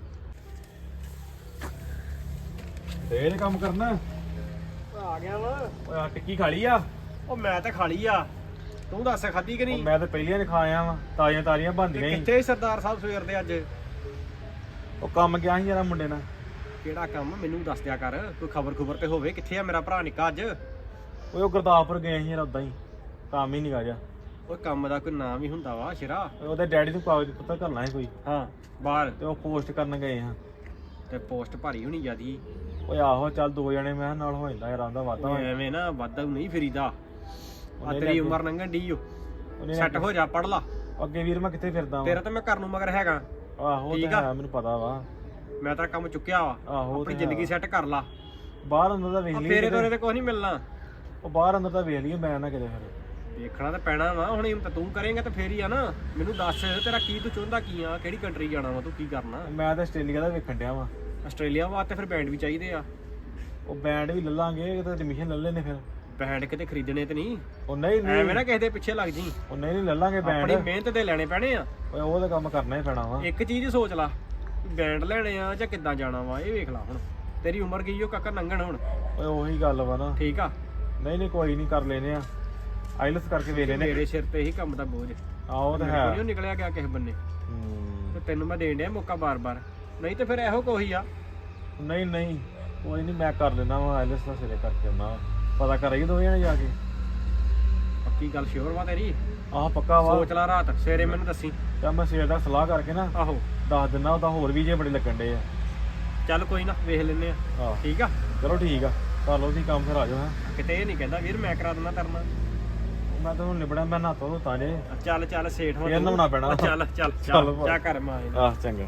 [SPEAKER 3] ਫੇਰ ਕੰਮ ਕਰਨਾ।
[SPEAKER 4] ਆ ਗਿਆ ਵਾ।
[SPEAKER 3] ਓਏ ਆ ਟਿੱਕੀ ਖਾ ਲਈ ਆ।
[SPEAKER 4] ਉਹ ਮੈਂ ਤਾਂ ਖਾ ਲਈ ਆ, ਤੂੰ ਦੱਸ ਖਾਧੀ ਕਿ ਨਹੀਂ?
[SPEAKER 3] ਮੈਂ ਤਾਂ ਪਹਿਲੀਆਂ ਨੇ ਖਾ ਆਇਆ ਵਾਂ, ਤਾਜ਼ੀਆਂ ਤਾਜ਼ੀਆਂ ਬਣਦੀਆਂ ਸੀ।
[SPEAKER 4] ਕਿੱਥੇ ਸਰਦਾਰ ਸਾਹਿਬ ਸਵੇਰ ਦੇ ਅੱਜ?
[SPEAKER 3] ਉਹ ਕੰਮ ਗਿਆ ਸੀ ਜਰਾ ਮੁੰਡੇ ਨਾਲ।
[SPEAKER 4] ਕਿਹੜਾ ਕੰਮ ਮੈਨੂੰ ਦੱਸ ਦਿਆ ਕਰ, ਕੋਈ ਖਬਰ ਤੇ ਹੋਵੇ। ਕਿੱਥੇ ਆ ਮੇਰਾ ਭਰਾ ਨਿੱਕਾ ਅੱਜ?
[SPEAKER 3] ਓਏ ਉਹ ਗੁਰਦਾਸਪੁਰ ਗਏ ਸੀ ਯਾਰ, ਉਦਾਂ ਹੀ ਕੰਮ ਹੀ ਨਿਕਾ ਜਾ।
[SPEAKER 4] ਉਹ ਕੰਮ ਦਾ ਕੋਈ ਨਾਮ ਹੀ ਹੁੰਦਾ ਵਾ ਸ਼ਿਰਾ।
[SPEAKER 3] ਉਹਦੇ ਡੈਡੀ ਨੂੰ ਕਾਗਜ਼ ਪੱਤਰ ਕਰਨਾ ਸੀ ਕੋਈ,
[SPEAKER 4] ਹਾਂ ਬਾਹਰ
[SPEAKER 3] ਤੇ ਉਹ ਪੋਸਟ ਕਰਨ ਗਏ ਹਾਂ।
[SPEAKER 4] ਤੇ ਪੋਸਟ ਭਾਰੀ ਹੋਣੀ ਜਿਆਦੀ।
[SPEAKER 3] ਓਏ ਆਹੋ ਚੱਲ 2 ਜਣੇ ਮੈਂ ਕਿਹਾ ਨਾਲ ਹੋ ਜਾਂਦਾ ਯਾਰ, ਆਂਦਾ ਵਾਦਾ ਹੋ ਜਾਂਦਾ।
[SPEAKER 4] ਐਵੇਂ ਨਾ ਵਾਧਾ ਨਹੀਂ ਫਰੀਦਾ। ਆ ਤੇਰੀ ਉਮਰ ਲੰਘਣ ਢੀ ਓ ਸੈੱਟ ਹੋ ਜਾ ਪੜ ਲਾ
[SPEAKER 3] ਅੱਗੇ ਵੀਰ ਮੈਂ ਕਿੱਥੇ ਫਿਰਦਾ ਵਾਂ
[SPEAKER 4] ਤੇਰਾ ਤਾਂ ਮੈਂ ਘਰ ਨੂੰ ਮਗਰ ਹੈਗਾ
[SPEAKER 3] ਆਹੋ ਉਹ
[SPEAKER 4] ਠੀਕ
[SPEAKER 3] ਤਾਂ
[SPEAKER 4] ਆ।
[SPEAKER 3] ਹੈ ਮੈਨੂੰ ਪਤਾ ਵਾ
[SPEAKER 4] ਮੈਂ ਤਾਂ ਕੰਮ ਚੁੱਕਿਆ ਵਾ
[SPEAKER 3] ਆਹੋ ਉਹ
[SPEAKER 4] ਆਪਣੀ
[SPEAKER 3] ਤਾਂ
[SPEAKER 4] ਜ਼ਿੰਦਗੀ
[SPEAKER 3] ਹੈ।
[SPEAKER 4] ਸੈੱਟ ਕਰ ਲਾ
[SPEAKER 3] ਬਾਹਰ ਅੰਦਰ ਦਾ ਵੇਖ ਲਈ
[SPEAKER 4] ਫੇਰੇ ਤੋਰੇ ਤੇ ਕੁਝ ਨਹੀਂ ਮਿਲਣਾ
[SPEAKER 3] ਉਹ ਬਾਹਰ ਅੰਦਰ ਦਾ ਵੇਖ ਲਈਏ ਮੈਂ ਨਾ ਕਿਤੇ ਫਿਰ
[SPEAKER 4] ਦੇਖਣਾ ਤਾਂ ਪੈਣਾ ਵਾ ਹੁਣ ਇਹ ਤਾਂ ਤੂੰ ਕਰੇਂਗਾ ਤਾਂ ਫੇਰ ਹੀ ਆ ਨਾ ਮੈਨੂੰ ਦੱਸ ਤੇਰਾ ਕੀ ਤੂੰ ਚਾਹੁੰਦਾ ਕੀ ਆ ਕਿਹੜੀ ਕੰਟਰੀ ਜਾਣਾ ਵਾ ਤੂੰ ਕੀ ਕਰਨਾ
[SPEAKER 3] ਮੈਂ ਤਾਂ ਆਸਟ੍ਰੇਲੀਆ ਦਾ ਵੇਖਣ ਡਿਆ ਵਾਂ
[SPEAKER 4] ਆਸਟ੍ਰੇਲੀਆ ਵਾਸਤੇ ਫਿਰ ਬੈਂਡ ਵੀ ਚਾਹੀਦੇ ਆ
[SPEAKER 3] ਉਹ ਬੈਂਡ ਵੀ ਲੈ ਲਾਂਗੇ ਤੇ ਐਡਮਿਸ਼ਨ ਲੈ ਲੈਨੇ ਫਿਰ
[SPEAKER 4] ਬੈਂਡ ਕਿਤੇ ਖਰੀਦਣੇ ਤੇ ਨਹੀਂ
[SPEAKER 3] ਉਹ ਨਹੀਂ
[SPEAKER 4] ਐਵੇਂ
[SPEAKER 3] ਨਹੀਂ
[SPEAKER 4] ਨਾ ਕਿਸੇ ਦੇ ਪਿੱਛੇ ਲੱਗ ਜੀ
[SPEAKER 3] ਉਹ ਨਹੀਂ ਲੈ ਲਾਂਗੇ ਬੈਂਡ
[SPEAKER 4] ਆਪਣੀ ਮਿਹਨਤ ਤੇ ਲੈਣੇ ਪੈਣੇ ਆ
[SPEAKER 3] ਓਏ ਉਹ ਤਾਂ ਕੰਮ ਕਰਨਾ ਹੀ ਪੈਣਾ ਵਾ
[SPEAKER 4] ਇੱਕ ਚੀਜ਼ ਸੋਚ ਲਾ ਬੈਂਡ ਲੈਣੇ ਆ ਜਾਂ ਕਿੱਦਾਂ ਜਾਣਾ ਵਾ ਇਹ ਵੇਖ ਲਾ ਹੁਣ ਤੇਰੀ ਉਮਰ ਗਈ ਓ ਕਾਕਾ ਲੰਘਣ ਹੁਣ
[SPEAKER 3] ਓਏ ਉਹੀ ਗੱਲ ਵਾ ਨਾ
[SPEAKER 4] ਠੀਕ ਆ
[SPEAKER 3] ਨਹੀਂ ਨਹੀਂ ਕੋਈ ਨਹੀਂ ਕਰ ਲੈਨੇ ਆ ਆਈਲਸ ਕਰਕੇ ਵੇਖ ਲੈਨੇ
[SPEAKER 4] ਮੇਰੇ ਸਿਰ ਤੇ ਹੀ ਕੰਮ ਦਾ ਬੋਝ
[SPEAKER 3] ਆਹੋ ਤਾਂ ਹੈ
[SPEAKER 4] ਕੋਈ ਨਿਕਲਿਆ ਗਿਆ ਕਿਸੇ ਬੰਨੇ
[SPEAKER 3] ਹੂੰ।
[SPEAKER 4] ਤੇ ਤੈਨੂੰ ਮੈਂ ਦੇਣ ਡਿਆ ਮੌਕਾ ਬਾਰ-ਬਾਰ ਨਹੀਂ ਤੇ ਫਿਰ ਇਹੋ ਕੋਈ ਆ
[SPEAKER 3] ਨਹੀਂ ਨਹੀਂ ਕੋਈ ਨਹੀਂ ਮੈਂ ਕਰ ਲੈਣਾ ਵਾ ਆਈਲਸ ਦਾ ਸਿਰੇ ਕਰਕੇ ਆਉਣਾ ਪਤਾ ਕਰਾਂਗੇ ਦੋਵੇਂ ਜਣੇ ਜਾ ਕੇ
[SPEAKER 4] ਪੱਕੀ ਗੱਲ ਸ਼ੋਰ ਵਾ ਤੇਰੀ
[SPEAKER 3] ਆਹ ਪੱਕਾ ਵਾ
[SPEAKER 4] ਸੋਚ ਲਾ ਰਾਤ ਸਵੇਰੇ ਮੈਨੂੰ ਦੱਸੀ
[SPEAKER 3] ਤਾਂ ਮੈਂ ਸਵੇਰ ਦਾ ਸਲਾਹ ਕਰਕੇ ਨਾ
[SPEAKER 4] ਆਹੋ
[SPEAKER 3] ਦੱਸ ਦਿੰਦਾ ਉਹਦਾ ਹੋਰ ਵੀ ਜੇ ਬੜੇ ਲੱਗਣ ਡੇ ਆ
[SPEAKER 4] ਚੱਲ ਕੋਈ ਨਾ ਵੇਖ ਲੈਨੇ ਆ
[SPEAKER 3] ਆਹ
[SPEAKER 4] ਠੀਕ ਆ
[SPEAKER 3] ਚਲੋ ਠੀਕ ਆ ਕਰ ਲਓ ਤੁਸੀਂ ਕੰਮ ਫਿਰ ਆ ਜਾਓ ਹੈਂ
[SPEAKER 4] ਕਿਤੇ ਇਹ ਨਹੀਂ ਕਹਿੰਦਾ ਵੀਰ ਮੈਂ ਕਰਾ ਦਿੰਦਾ ਤਰਨਾ
[SPEAKER 3] ਮੈਂ ਤਾਂ ਹੁਣ ਨਿਬੜਿਆ ਮੈਂ ਨਹਾਤਾ ਧੋਤਾ ਜੇ
[SPEAKER 4] ਚੱਲ ਚੱਲ ਸੇਠ ਹੋ
[SPEAKER 3] ਫੇਰ ਨਹਾਉਣਾ ਪੈਣਾ।
[SPEAKER 4] ਚੱਲ ਚੱਲ
[SPEAKER 3] ਚੱਲ
[SPEAKER 4] ਚੱਲ
[SPEAKER 3] ਭਾਈ।
[SPEAKER 4] ਜਾ ਕਰ ਮਾਂ
[SPEAKER 3] ਆਹ ਚੰਗਾ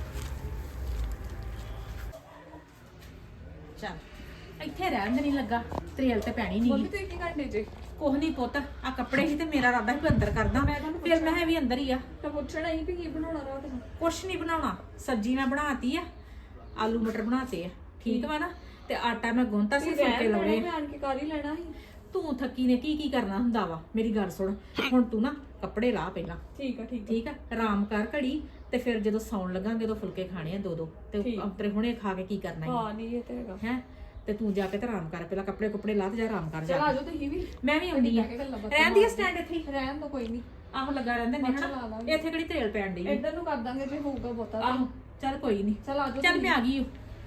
[SPEAKER 1] ਚੱਲ ਇੱਥੇ ਰਹਿਣ ਦੇ ਨਹੀਂ ਲੱਗਾ ਤਰੇਲ ਤੇ ਪੈਣੀ
[SPEAKER 2] ਮੰਮੀ
[SPEAKER 1] ਨਹੀਂ
[SPEAKER 2] ਤੁਸੀਂ ਕੀ ਕਰਦੇ ਜੇ
[SPEAKER 1] ਕੁਛ ਨਹੀਂ ਪੁੱਤ ਆ ਕੱਪੜੇ ਸੀ ਤੇ ਮੇਰਾ ਇਰਾਦਾ ਸੀ ਵੀ ਅੰਦਰ ਕਰਦਾ ਫਿਰ ਮੈਂ ਕਿਹਾ ਵੀ ਅੰਦਰ ਹੀ ਆ
[SPEAKER 2] ਤਾਂ ਪੁੱਛਣਾ ਹੀ ਵੀ ਕੀ ਬਣਾਉਣਾ ਰਾਤ ਨੂੰ
[SPEAKER 1] ਕੁਛ ਨਹੀਂ ਬਣਾਉਣਾ ਸਬਜ਼ੀ ਮੈਂ ਬਣਾਤੀ ਆ ਆਲੂ ਮਟਰ ਬਣਾਤੇ ਆ ਠੀਕ ਵਾ ਨਾ ਤੇ ਆਟਾ ਮੈਂ ਗੁੰਨਤਾ ਸੀ ਫੁਲਕੇ ਲਾਉਣੇ
[SPEAKER 2] ਮੈਂ ਆਣ ਕੇ ਕਰ ਹੀ ਲੈਣਾ ਸੀ
[SPEAKER 1] ਤੂੰ ਥੱਕੀ ਨੇ ਕੀ ਕਰਨਾ ਹੁੰਦਾ ਵਾ ਮੇਰੀ ਗੱਲ ਸੁਣ ਹੁਣ ਤੂੰ ਨਾ ਕੱਪੜੇ ਲਾ ਪਹਿਲਾਂ
[SPEAKER 2] ਠੀਕ ਆ ਠੀਕ
[SPEAKER 1] ਠੀਕ ਆ ਆਰਾਮ ਕਰ ਘੜੀ ਤੇ ਫਿਰ ਜਦੋਂ ਸੌਣ ਲੱਗਾਂਗੇ ਉਦੋਂ ਫੁਲਕੇ ਖਾਣੇ ਆ ਦੋ ਦੋ ਤੇ
[SPEAKER 2] ਠੀਕ।
[SPEAKER 1] ਅੰਤਰੇ ਹੁਣੇ ਖਾ ਕੇ ਕੀ ਕਰਨਾ
[SPEAKER 2] ਹਾਂ ਨਹੀਂ ਇਹ ਤੇ ਹੈਗਾ
[SPEAKER 1] ਹੈ ਤੇ ਤੂੰ ਜਾ ਕੇ ਤੇ ਆਰਾਮ ਕਰ ਪਹਿਲਾਂ ਕੱਪੜੇ ਕੁੱਪੜੇ ਲਾ ਤੇ ਜਾ ਆਰਾਮ ਕਰ
[SPEAKER 2] ਚਲ
[SPEAKER 1] ਜਾ
[SPEAKER 2] ਆ ਜਾਓ ਤੁਸੀਂ ਵੀ
[SPEAKER 1] ਮੈਂ ਵੀ ਆਉਂਦੀ ਆ
[SPEAKER 2] ਬਹਿ ਕੇ ਗੱਲਾਂ ਬਾਤਾਂ
[SPEAKER 1] ਰਹਿੰਦੀ ਆ ਸਟੈਂਡ ਇੱਥੇ ਹੀ।
[SPEAKER 2] ਰਹਿਣ ਦੋ ਕੋਈ ਨਹੀਂ
[SPEAKER 1] ਆਹੋ ਲੱਗਾ ਰਹਿੰਦੇ ਨੇ
[SPEAKER 2] ਮੱਛਰ ਲਾ
[SPEAKER 1] ਹਨਾ
[SPEAKER 2] ਲਾਂਗੇ।
[SPEAKER 1] ਇੱਥੇ ਕਿਹੜੀ ਤੇਲ ਪੈਣ ਡਈ ਆ।
[SPEAKER 2] ਇੱਧਰ ਨੂੰ ਕਰ ਦਾਂਗੇ ਜੇ ਹੋਊਗਾ ਬਹੁਤਾ ਤਾਂ।
[SPEAKER 1] ਆਹੋ ਚੱਲ ਕੋਈ ਨਹੀਂ
[SPEAKER 2] ਚਲ ਆ ਜਾਓ
[SPEAKER 1] ਚੱਲ ਮੈਂ ਆ ਗਈ ਓ।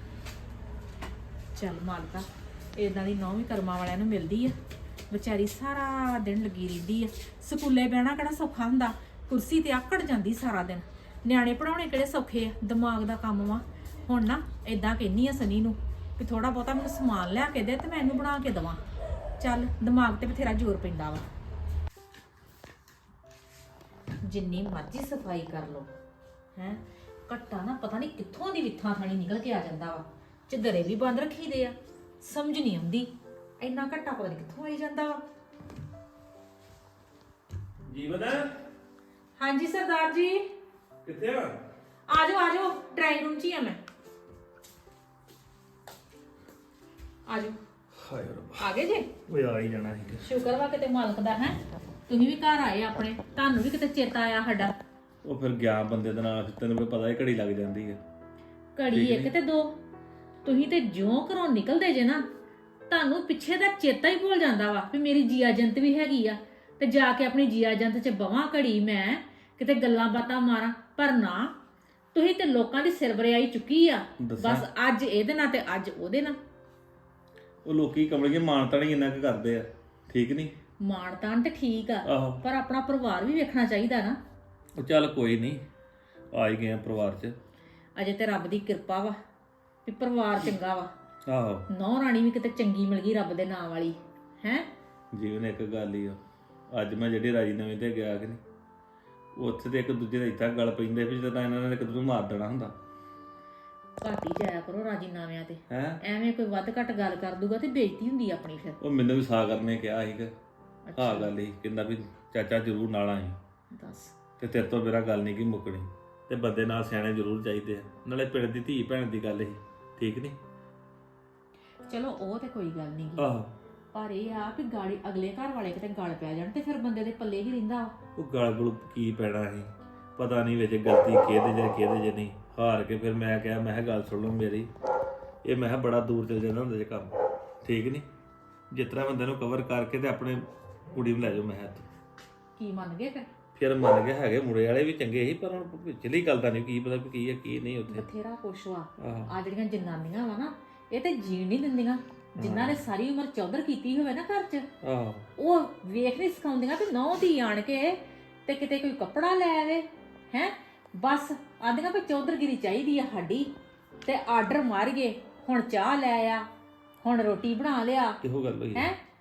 [SPEAKER 1] ਚੱਲ ਮਾਲਕਾ ਇਦਾਂ ਦੀ ਨੌਵੀਂ ਕਰਮਾਂ ਵਾਲਿਆਂ ਨੂੰ ਮਿਲਦੀ ਆ ਵਿਚਾਰੀ ਸਾਰਾ ਦਿਨ ਲੱਗੀ ਰਹਿੰਦੀ ਆ ਸਕੂਲੇ ਬਹਿਣਾ ਕਿਹੜਾ ਸੌਖਾ ਹੁੰਦਾ ਕੁਰਸੀ ਤੇ ਆਕੜ ਜਾਂਦੀ ਸਾਰਾ ਦਿਨ ਨਿਆਣੇ ਪੜਾਉਣੇ ਕਿਹੜੇ ਸੌਖੇ ਆ ਦਿਮਾਗ ਦਾ ਕੰਮ ਵਾ ਹੁਣ ਨਾ ਇਦਾਂ ਕਹਿੰਨੀ ਆ ਸਨੀ ਨੂੰ ਵੀ ਥੋੜਾ ਬਹੁਤਾ ਮੈਨੂੰ ਸਮਾਨ ਲਿਆ ਕੇ ਦੇ ਤੇ ਮੈਂ ਇਹਨੂੰ ਬਣਾ ਕੇ ਦਵਾਂ ਚੱਲ ਦਿਮਾਗ ਤੇ ਬਥੇਰਾ ਜ਼ੋਰ ਪੈਂਦਾ ਵਾ ਜਿੰਨੀ ਮਰਜ਼ੀ ਸਫਾਈ ਕਰ ਲੋ ਹੈ ਘੱਟਾ ਨਾ ਪਤਾ ਨਹੀਂ ਕਿੱਥੋਂ ਦੀ ਵਿਥਾਂ ਥਾਣੀ ਨਿਕਲ ਕੇ ਆ ਜਾਂਦਾ ਵਾ ਚਦਰੇ ਵੀ ਬੰਦ ਰੱਖੀਦੇ ਆ ਸਮਝ ਨਹੀਂ ਆਉਂਦੀ ਇੰਨਾ ਘੱਟਾ ਪਤਾ ਨਹੀਂ ਕਿੱਥੋਂ ਆਈ ਜਾਂਦਾ ਵਾ
[SPEAKER 3] ਜੀਵਨ
[SPEAKER 1] ਹਾਂਜੀ ਸਰਦਾਰ ਜੀ
[SPEAKER 3] ਕਿੱਥੇ ਆ
[SPEAKER 1] ਆ ਜਾਓ ਡਰਾਈਂਗ ਰੂਮ 'ਚ ਹੀ ਆ ਮੈਂ ਆ ਜਾਓ
[SPEAKER 3] ਹਾਏ ਰੱਬ
[SPEAKER 1] ਆ ਗਏ ਜੇ
[SPEAKER 3] ਓਏ ਆ ਹੀ ਜਾਣਾ ਸੀ
[SPEAKER 1] ਸ਼ੁਕਰ ਵਾ ਕਿਤੇ ਮਾਲਕ ਦਾ ਹੈ ਤੁਸੀਂ ਵੀ ਘਰ ਆਏ ਆਪਣੇ ਤੁਹਾਨੂੰ ਵੀ ਕਿਤੇ ਚੇਤਾ ਆਇਆ ਸਾਡਾ
[SPEAKER 3] ਉਹ ਫਿਰ ਗਿਆ ਬੰਦੇ ਦੇ ਨਾਲ ਤੈਨੂੰ ਵੀ ਪਤਾ ਹੈ ਘੜੀ ਲੱਗ ਜਾਂਦੀ ਹੈ
[SPEAKER 1] ਘੜੀ ਇੱਕ ਤੇ ਦੋ ਤੁਸੀਂ ਤੇ ਜਿਉਂ ਘਰੋਂ ਨਿਕਲਦੇ ਜੇ ਨਾ ਤੁਹਾਨੂੰ ਪਿੱਛੇ ਦਾ ਚੇਤਾ ਹੀ ਭੁੱਲ ਜਾਂਦਾ ਵਾ ਵੀ ਮੇਰੀ ਜੀਆ ਜੰਤ ਵੀ ਹੈਗੀ ਆ ਤੇ ਜਾ ਕੇ ਆਪਣੀ ਜੀਆ ਜੰਤ 'ਚ ਬਵਾਂ ਘੜੀ ਮੈਂ ਕਿਤੇ ਗੱਲਾਂ ਬਾਤਾਂ ਮਾਰਾਂ ਪਰ ਨਾ ਤੁਸੀਂ ਤੇ ਲੋਕਾਂ ਦੀ ਸਿਰਬਰਿਆਈ ਚੁੱਕੀ ਆ
[SPEAKER 3] ਦੱਸਾਂ?
[SPEAKER 1] ਬਸ ਅੱਜ ਇਹਦੇ ਨਾਲ ਤੇ ਅੱਜ ਉਹਦੇ ਨਾਲ
[SPEAKER 3] ਉਹ ਲੋਕੀ ਕਮਲਗੇ ਮਾਨਤਾ ਨਹੀਂ ਇੰਨਾ ਕੁ ਕਰਦੇ ਆ ਠੀਕ ਨਹੀਂ
[SPEAKER 1] ਮਾਣ ਤਾਣ ਤੇ ਠੀਕ ਆ
[SPEAKER 3] ਆਹੋ
[SPEAKER 1] ਪਰ ਆਪਣਾ ਪਰਿਵਾਰ ਵੀ ਵੇਖਣਾ ਚਾਹੀਦਾ ਨਾ
[SPEAKER 3] ਉਹ ਚੱਲ ਕੋਈ ਨਹੀਂ ਆ ਹੀ ਗਏ ਆ ਪਰਿਵਾਰ 'ਚ
[SPEAKER 1] ਅਜੇ ਤੇ ਰੱਬ ਦੀ ਕਿਰਪਾ ਵਾ ਵੀ ਪਰਿਵਾਰ ਚੰਗਾ ਵਾ
[SPEAKER 3] ਆਹੋ
[SPEAKER 1] ਨੌ ਰਾਣੀ ਵੀ ਕਿਤੇ ਚੰਗੀ ਮਿਲ ਗਈ ਰੱਬ ਦੇ ਨਾਂ ਵਾਲੀ ਹੈ
[SPEAKER 3] ਜੀਵਨ ਇੱਕ ਗੱਲ ਹੀ ਆ ਅੱਜ ਮੈਂ ਜਿਹੜੀ ਰਾਜੀਨਾਮੇ ਤੇ ਗਿਆ ਕਿ ਨਹੀਂ ਉੱਥੇ ਤੇ ਇੱਕ ਦੂਜੇ ਦਾ ਇੱਥਾ ਗੱਲ ਪੈਂਦੇ ਵੀ ਜਦੋਂ ਇਹਨਾਂ ਨੇ ਇੱਕ ਦੂਜੇ ਨੂੰ ਮਾਰ ਦੇਣਾ ਹੁੰਦਾ
[SPEAKER 1] ਘੱਟ ਹੀ ਜਾਇਆ ਕਰੋ ਰਾਜੀਨਾਮਿਆਂ ਤੇ
[SPEAKER 3] ਹੈ
[SPEAKER 1] ਐਵੇਂ ਕੋਈ ਵੱਧ ਘੱਟ ਗੱਲ ਕਰ ਦੂਗਾ ਤੇ ਬੇਇੱਜ਼ਤੀ ਹੁੰਦੀ ਆ ਆਪਣੀ ਫਿਰ
[SPEAKER 3] ਉਹ ਮੈਨੂੰ ਵੀ ਸਾਹ ਕਰਨੇ ਕਿਹਾ ਸੀਗਾ ਆਹ ਗੱਲ ਹੀ ਕਹਿੰਦਾ ਵੀ ਚਾਚਾ ਜ਼ਰੂਰ ਨਾਲ ਆਈ
[SPEAKER 1] ਦੱਸ
[SPEAKER 3] ਤੇ ਤੇਰੇ ਤੋਂ ਮੇਰਾ ਗੱਲ ਨਹੀਂ ਕੀ ਮੁੱਕਣੀ ਤੇ ਬੰਦੇ ਨਾਲ ਸਿਆਣੇ ਜ਼ਰੂਰ ਚਾਹੀਦੇ ਆ ਨਾਲੇ ਪਿੰਡ ਦੀ ਧੀ ਭੈਣ ਦੀ ਗੱਲ ਹੀ ਠੀਕ ਨਹੀਂ
[SPEAKER 1] ਚਲੋ ਉਹ ਤੇ ਕੋਈ ਗੱਲ ਨਹੀਂ
[SPEAKER 3] ਆਹੋ
[SPEAKER 1] ਪਰ ਇਹ ਆ ਵੀ ਗਾੜੀ ਅਗਲੇ ਘਰ ਵਾਲੇ ਕਿਤੇ ਗਲ ਪੈ ਜਾਣ ਤੇ ਫਿਰ ਬੰਦੇ ਦੇ ਪੱਲੇ ਹੀ ਰਹਿੰਦਾ ਵਾ।
[SPEAKER 3] ਉਹ ਗਲ ਗੁਲ ਕੀ ਪੈਣਾ ਸੀ ਪਤਾ ਨਹੀਂ ਵਿੱਚ ਗਲਤੀ ਕਿਹਦੇ ਜੇ ਨਹੀਂ ਹਾਰ ਕੇ ਫਿਰ ਮੈਂ ਕਿਹਾ ਮੈਂ ਕਿਹਾ ਗੱਲ ਸੁਣ ਲਓ ਮੇਰੀ ਇਹ ਮੈਂ ਕਿਹਾ ਬੜਾ ਦੂਰ ਚਲ ਜਾਂਦਾ ਹੁੰਦਾ ਜੇ ਕੰਮ ਠੀਕ ਨਹੀਂ ਜਿਸ ਤਰ੍ਹਾਂ ਬੰਦੇ ਨੂੰ ਕਵਰ ਕਰਕੇ ਤੇ ਆਪਣੇ ਕੁੜੀ ਨੂੰ ਲੈ ਜਾਓ ਮੈਂ ਕਿਹਾ
[SPEAKER 1] ਕੀ ਮੰਨ ਗਏ
[SPEAKER 3] ਫਿਰ ਮੰਨ ਗਿਆ ਹੈਗੇ ਮੁੰਡੇ ਵਾਲੇ ਵੀ ਚੰਗੇ ਸੀ ਪਰ ਹੁਣ ਪਿਛਲੀ ਗੱਲ ਤਾਂ ਨਹੀਂ ਕੀ ਪਤਾ ਵੀ ਕੀ ਹੈ ਕੀ ਨਹੀਂ ਉੱਥੇ
[SPEAKER 1] ਬਥੇਰਾ ਕੁਛ ਵਾ
[SPEAKER 3] ਆਹੋ
[SPEAKER 1] ਆ ਜਿਹੜੀਆਂ ਜਨਾਨੀਆਂ ਵਾ ਨਾ ਇਹ ਤੇ ਜੀਣ ਨਹੀਂ ਦਿੰਦੀਆਂ ਜਿਨ੍ਹਾਂ ਨੇ ਸਾਰੀ ਉਮਰ ਚੌਧਰ ਕੀਤੀ ਹੋਵੇ ਨਾ ਘਰ 'ਚ
[SPEAKER 3] ਆਹੋ
[SPEAKER 1] ਉਹ ਵੇਖ ਨਹੀਂ ਸਿਖਾਉਂਦੀਆਂ ਵੀ ਨੌ ਦੀ ਆਣ ਕੇ ਤੇ ਕਿਤੇ ਕੋਈ ਕੱਪੜਾ ਲੈ ਆਵੇ ਹੈ ਬਸ ਆਂਦੀਆਂ ਵੀ ਚੌਧਰਗਿਰੀ ਚਾਹੀਦੀ ਆ ਸਾਡੀ ਤੇ ਆਰਡਰ ਮਾਰੀਏ ਹੁਣ ਚਾਹ ਲੈ ਆ ਹੁਣ ਰੋਟੀ ਬਣਾ ਲਿਆ
[SPEAKER 3] ਇਹੋ ਗੱਲ ਹੋਈ
[SPEAKER 1] ਹੈ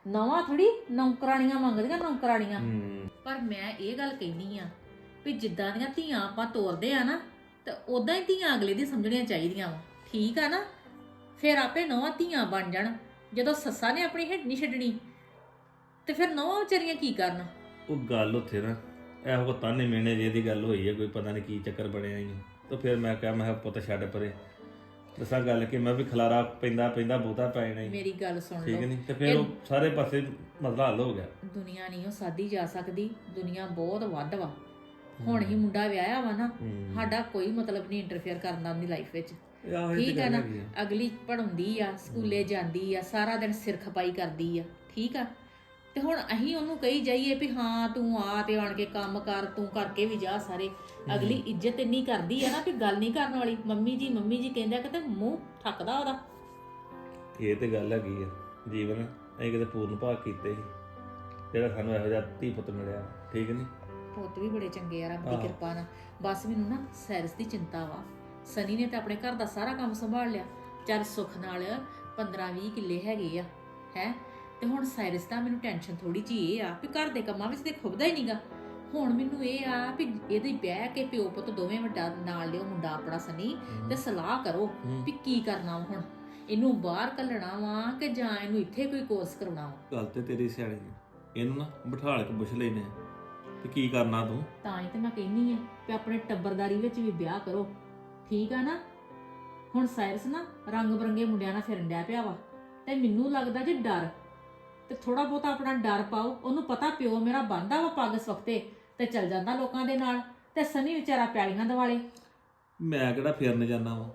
[SPEAKER 1] ਨਵਾਂ ਥੋੜੀ ਨੌਕਰਾਣੀਆਂ ਮੰਗਦੀਆਂ ਨੌਕਰਾਣੀਆਂ।
[SPEAKER 3] ਹੂੰ
[SPEAKER 1] ਪਰ ਮੈਂ ਇਹ ਗੱਲ ਕਹਿਨੀ ਆ ਵੀ ਜਿੱਦਾਂ ਦੀਆਂ ਧੀਆਂ ਆਪਾਂ ਤੋਰਦੇ ਆ ਨਾ ਤੇ ਉਦਾਂ ਹੀ ਧੀਆਂ ਅਗਲੇ ਦੀ ਸਮਝਣੀਆਂ ਚਾਹੀਦੀਆਂ ਵਾ, ਠੀਕ ਆ ਨਾ। ਫਿਰ ਆਪੇ ਨਵਾਂ ਧੀਆਂ ਬਣ ਜਾਣ। ਜਦੋਂ ਸੱਸਾਂ ਨੇ ਆਪਣੀ ਹਿੱਡ ਨਹੀਂ ਛੱਡਣੀ ਤੇ ਫਿਰ ਨਵਾਂ ਵਿਚਾਰੀਆਂ ਕੀ ਕਰਨ।
[SPEAKER 3] ਉਹ ਗੱਲ ਉੱਥੇ ਨਾ ਇਹੋ ਤਾਨੇ ਮੇਣੇ ਜੇ ਦੀ ਗੱਲ ਹੋਈ ਹੈ, ਕੋਈ ਪਤਾ ਨਹੀਂ ਕੀ ਚੱਕਰ ਬਣਿਆ ਹੀ। ਤਾਂ ਫਿਰ ਮੈਂ ਕਿਹਾ ਮੈਂ ਕਿਹਾ ਪੁੱਤ ਛੱਡ ਪਰੇ, ਦੱਸਾਂ ਗੱਲ ਕਿ ਮੈਂ ਵੀ ਖਲਾਰਾ ਪੈਂਦਾ ਬਹੁਤਾ ਪੈ ਜਾਣਾ ਹੀ।
[SPEAKER 1] ਮੇਰੀ ਗੱਲ ਸੁਣ
[SPEAKER 3] ਠੀਕ
[SPEAKER 1] ਲਓ,
[SPEAKER 3] ਨਹੀਂ ਤੇ ਫਿਰ ਉਹ ਸਾਰੇ ਪਾਸੇ ਮਸਲਾ ਹੱਲ ਹੋ ਗਿਆ।
[SPEAKER 1] ਦੁਨੀਆ ਨਹੀਂ ਉਹ ਸਾਦੀ ਜਾ ਸਕਦੀ, ਦੁਨੀਆ ਬਹੁਤ ਵੱਧ ਵਾ। ਹੁਣ ਹੀ ਮੁੰਡਾ ਵਿਆਹਿਆ ਵਾ ਨਾ, ਸਾਡਾ ਕੋਈ ਮਤਲਬ ਨਹੀਂ ਇੰਟਰਫੇਅਰ ਕਰਨ ਦਾ ਉਹਦੀ ਲਾਈਫ ਵਿੱਚ, ਠੀਕ ਆ ਨਾ। ਅਗਲੀ ਪੜਾਉਂਦੀ ਆ, ਸਕੂਲੇ ਜਾਂਦੀ ਆ, ਸਾਰਾ ਦਿਨ ਸਿਰ ਖਪਾਈ ਕਰਦੀ ਆ, ਠੀਕ ਆ। ਤੇ ਹੁਣ ਅਸੀਂ ਉਹਨੂੰ ਕਹੀ ਜਾਈਏ ਵੀ ਹਾਂ ਤੂੰ ਆ ਤੇ ਆਣ ਕੇ ਕੰਮ ਕਰ, ਤੂੰ ਕਰਕੇ ਵੀ ਜਾ ਸਾਰੇ। ਅਗਲੀ ਇੱਜ਼ਤ ਇੰਨੀ ਕਰਦੀ ਆ ਨਾ ਵੀ ਗੱਲ ਨਹੀਂ ਕਰਨ ਵਾਲੀ। ਮੰਮੀ ਜੀ ਕਹਿੰਦਾ ਕਿ ਤੇ ਮੂੰਹ ਠੱਕਦਾ ਉਹਦਾ।
[SPEAKER 3] ਇਹ ਤੇ ਗੱਲ ਹੈਗੀ ਆ, ਜੀਵਨ ਅਸੀਂ ਕਿਤੇ ਪੂਰਨ ਭਾਗ ਕੀਤੇ ਸੀ ਜਿਹੜਾ ਸਾਨੂੰ ਇਹੋ ਜਿਹਾ ਧੀ ਪੁੱਤ ਮਿਲਿਆ, ਠੀਕ ਨਹੀਂ।
[SPEAKER 1] ਪੁੱਤ ਵੀ ਬੜੇ ਚੰਗੇ ਆ ਰੱਬ ਦੀ ਕਿਰਪਾ ਨਾਲ। ਬਸ ਮੈਨੂੰ ਨਾ ਸੈਰਸ ਦੀ ਚਿੰਤਾ ਵਾ। ਸਨੀ ਨੇ ਤਾਂ ਆਪਣੇ ਘਰ ਦਾ ਸਾਰਾ ਕੰਮ ਸੰਭਾਲ ਲਿਆ, ਚੱਲ ਸੁੱਖ ਨਾਲ 15-20 ਕਿੱਲੇ ਹੈਗੇ ਆ ਹੈ। ਤੇ ਹੁਣ ਸਾਇਰਸ ਦਾ ਮੈਨੂੰ ਟੈਨਸ਼ਨ ਥੋੜੀ ਜੀ ਇਹ ਆ ਵੀ ਘਰ ਦੇ ਕੰਮਾਂ ਵਿੱਚ ਤੇ ਖੁੱਬਦਾ ਹੀ ਨਹੀਂਗਾ। ਹੁਣ ਮੈਨੂੰ ਇਹ ਆ ਵੀ ਇਹਦੇ ਬਹਿ ਕੇ ਪਿਓ ਪੁੱਤ ਦੋਵੇਂ ਵੱਡਾ ਨਾਲ ਲਿਓ ਮੁੰਡਾ ਆਪਣਾ ਸਨੀ ਤੇ ਸਲਾਹ ਕਰੋ ਵੀ ਕੀ ਕਰਨਾ ਵਾ। ਹੁਣ ਇਹਨੂੰ ਬਾਹਰ ਘੱਲਣਾ ਵਾ ਕਿ ਜਾਂ ਇਹਨੂੰ ਇੱਥੇ ਕੋਈ ਕੋਰਸ ਕਰਾਉਣਾ ਵਾ।
[SPEAKER 3] ਗੱਲ ਤੇ ਤੇਰੀ ਸਿਆਣੀ ਹੈ, ਇਹਨੂੰ ਨਾ ਬਿਠਾਲ ਕੇ ਪੁੱਛ ਲੈਨੇ ਆ ਤੇ ਕੀ ਕਰਨਾ ਤੂੰ।
[SPEAKER 1] ਤਾਂ ਹੀ ਤੇ ਮੈਂ ਕਹਿੰਨੀ ਆ ਕਿ ਆਪਣੇ ਟੱਬਰਦਾਰੀ ਵਿੱਚ ਵੀ ਵਿਆਹ ਕਰੋ, ਠੀਕ ਆ ਨਾ। ਹੁਣ ਸਾਇਰਸ ਨਾ ਰੰਗ ਬਰੰਗੇ ਮੁੰਡਿਆਂ ਨਾਲ ਫਿਰਨ ਡਿਆ ਪਿਆ ਵਾ ਤੇ ਮੈਨੂੰ ਲੱਗਦਾ ਜੇ ਡਰ ਤੇ ਥੋੜਾ ਬਹੁਤਾ ਆਪਣਾ ਡਰ ਪਾਓ। ਉਹਨੂੰ ਪਤਾ ਪਿਓ ਮੇਰਾ ਬੰਦਾ ਵਾ ਪੱਗ ਸਵਖਤੇ ਤੇ ਚੱਲ ਜਾਂਦਾ ਲੋਕਾਂ ਦੇ ਨਾਲ, ਤੇ ਸਨੀ ਵਿਚਾਰਾ ਪੈਲੀਆਂ ਦਿਵਾਲੇ।
[SPEAKER 3] ਮੈਂ ਕਿਹੜਾ ਫਿਰਨ ਜਾਣਾ ਵਾ,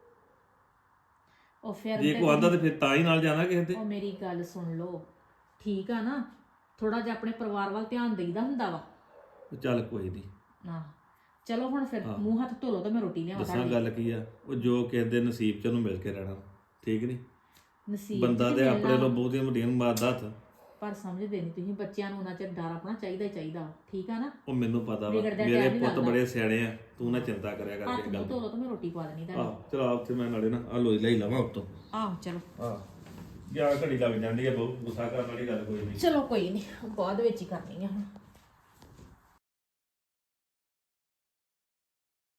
[SPEAKER 1] ਉਹ ਫਿਰ
[SPEAKER 3] ਜੇ ਕੋ ਆਂਦਾ ਤੇ ਫਿਰ ਤਾਂ ਹੀ ਨਾਲ ਜਾਣਾ ਕਿਸੇ ਦੇ।
[SPEAKER 1] ਉਹ ਮੇਰੀ ਗੱਲ ਸੁਣ ਲਓ, ਠੀਕ ਆ ਨਾ। ਥੋੜਾ ਜਿਹਾ ਆਪਣੇ ਪਰਿਵਾਰ ਵੱਲ ਧਿਆਨ ਦੇਈਦਾ ਹੁੰਦਾ ਵਾ।
[SPEAKER 3] ਚੱਲ ਕੋਈ ਨਹੀਂ,
[SPEAKER 1] ਨਾ ਚਲੋ ਹੁਣ ਫਿਰ ਮੂੰਹ ਹੱਥ ਧੋ ਲਓ ਤੇ ਮੈਂ ਰੋਟੀ ਲਿਆਵਾਂ।
[SPEAKER 3] ਦੱਸਾਂ ਗੱਲ ਕੀ ਆ, ਉਹ ਜੋ ਕਿਸੇ ਦੇ ਨਸੀਬ ਚ ਉਹਨੂੰ ਮਿਲ ਕੇ ਰਹਿਣਾ, ਠੀਕ ਨਹੀਂ।
[SPEAKER 1] ਨਸੀਬ
[SPEAKER 3] ਬੰਦਾ
[SPEAKER 1] ਚ
[SPEAKER 3] ਤੇ ਆਪਣੇ
[SPEAKER 1] ਮਿਲਣਾ,
[SPEAKER 3] ਤੋਂ ਬਹੁਤੀਆਂ ਵੱਡੀਆਂ ਨੂੰ ਮਾਰਦਾ ਹੱਥ।
[SPEAKER 1] ਪਰ ਸਮਝਦੇ ਨਹੀਂ ਤੁਸੀਂ। ਬੱਚਿਆਂ ਨੂੰ ਉਹਨਾਂ ਚਿਰ ਡਰ ਆਪਣਾ ਚਾਹੀਦਾ ਹੀ ਚਾਹੀਦਾ ਵਾ, ਠੀਕ ਆ ਨਾ।
[SPEAKER 3] ਉਹ ਮੈਨੂੰ ਪਤਾ ਵਾ,
[SPEAKER 1] ਵਿਗੜਦਾ
[SPEAKER 3] ਮੇਰੇ
[SPEAKER 1] ਟਾਈਮ ਹੀ
[SPEAKER 3] ਪੁੱਤ
[SPEAKER 1] ਲੱਗਦਾ।
[SPEAKER 3] ਬੜੇ ਸਿਆਣੇ ਆ, ਤੂੰ ਨਾ ਚਿੰਤਾ ਕਰਿਆ ਕਰ
[SPEAKER 1] ਹੱਥ
[SPEAKER 3] ਕਿਸੇ
[SPEAKER 1] ਮੂੰਹ
[SPEAKER 3] ਗੱਲ
[SPEAKER 1] ਧੋ
[SPEAKER 3] ਦੀ।
[SPEAKER 1] ਲਓ ਤੇ ਮੈਂ ਰੋਟੀ ਪਾ ਦੇਣੀ ਤੁਹਾਨੂੰ।
[SPEAKER 3] ਆਹ ਚਲ ਉੱਥੇ ਮੈਂ ਨਾਲੇ ਨਾ ਆ ਲੋਈ ਲਈ ਲਵਾਂ ਉੱਤੋਂ।
[SPEAKER 1] ਆਹੋ ਚਲੋ
[SPEAKER 3] ਆਹ ਜਾਂ ਘੜੀ ਲੱਗ ਜਾਂਦੀ ਆ, ਬਹੁਤ ਗੁੱਸਾ ਕਰਨ ਵਾਲੀ ਗੱਲ ਕੋਈ ਨਹੀਂ।
[SPEAKER 1] ਚਲੋ ਕੋਈ ਨਹੀਂ, ਬਾਅਦ ਵਿੱਚ ਹੀ ਕਰਨੀ ਆ ਹੁਣ।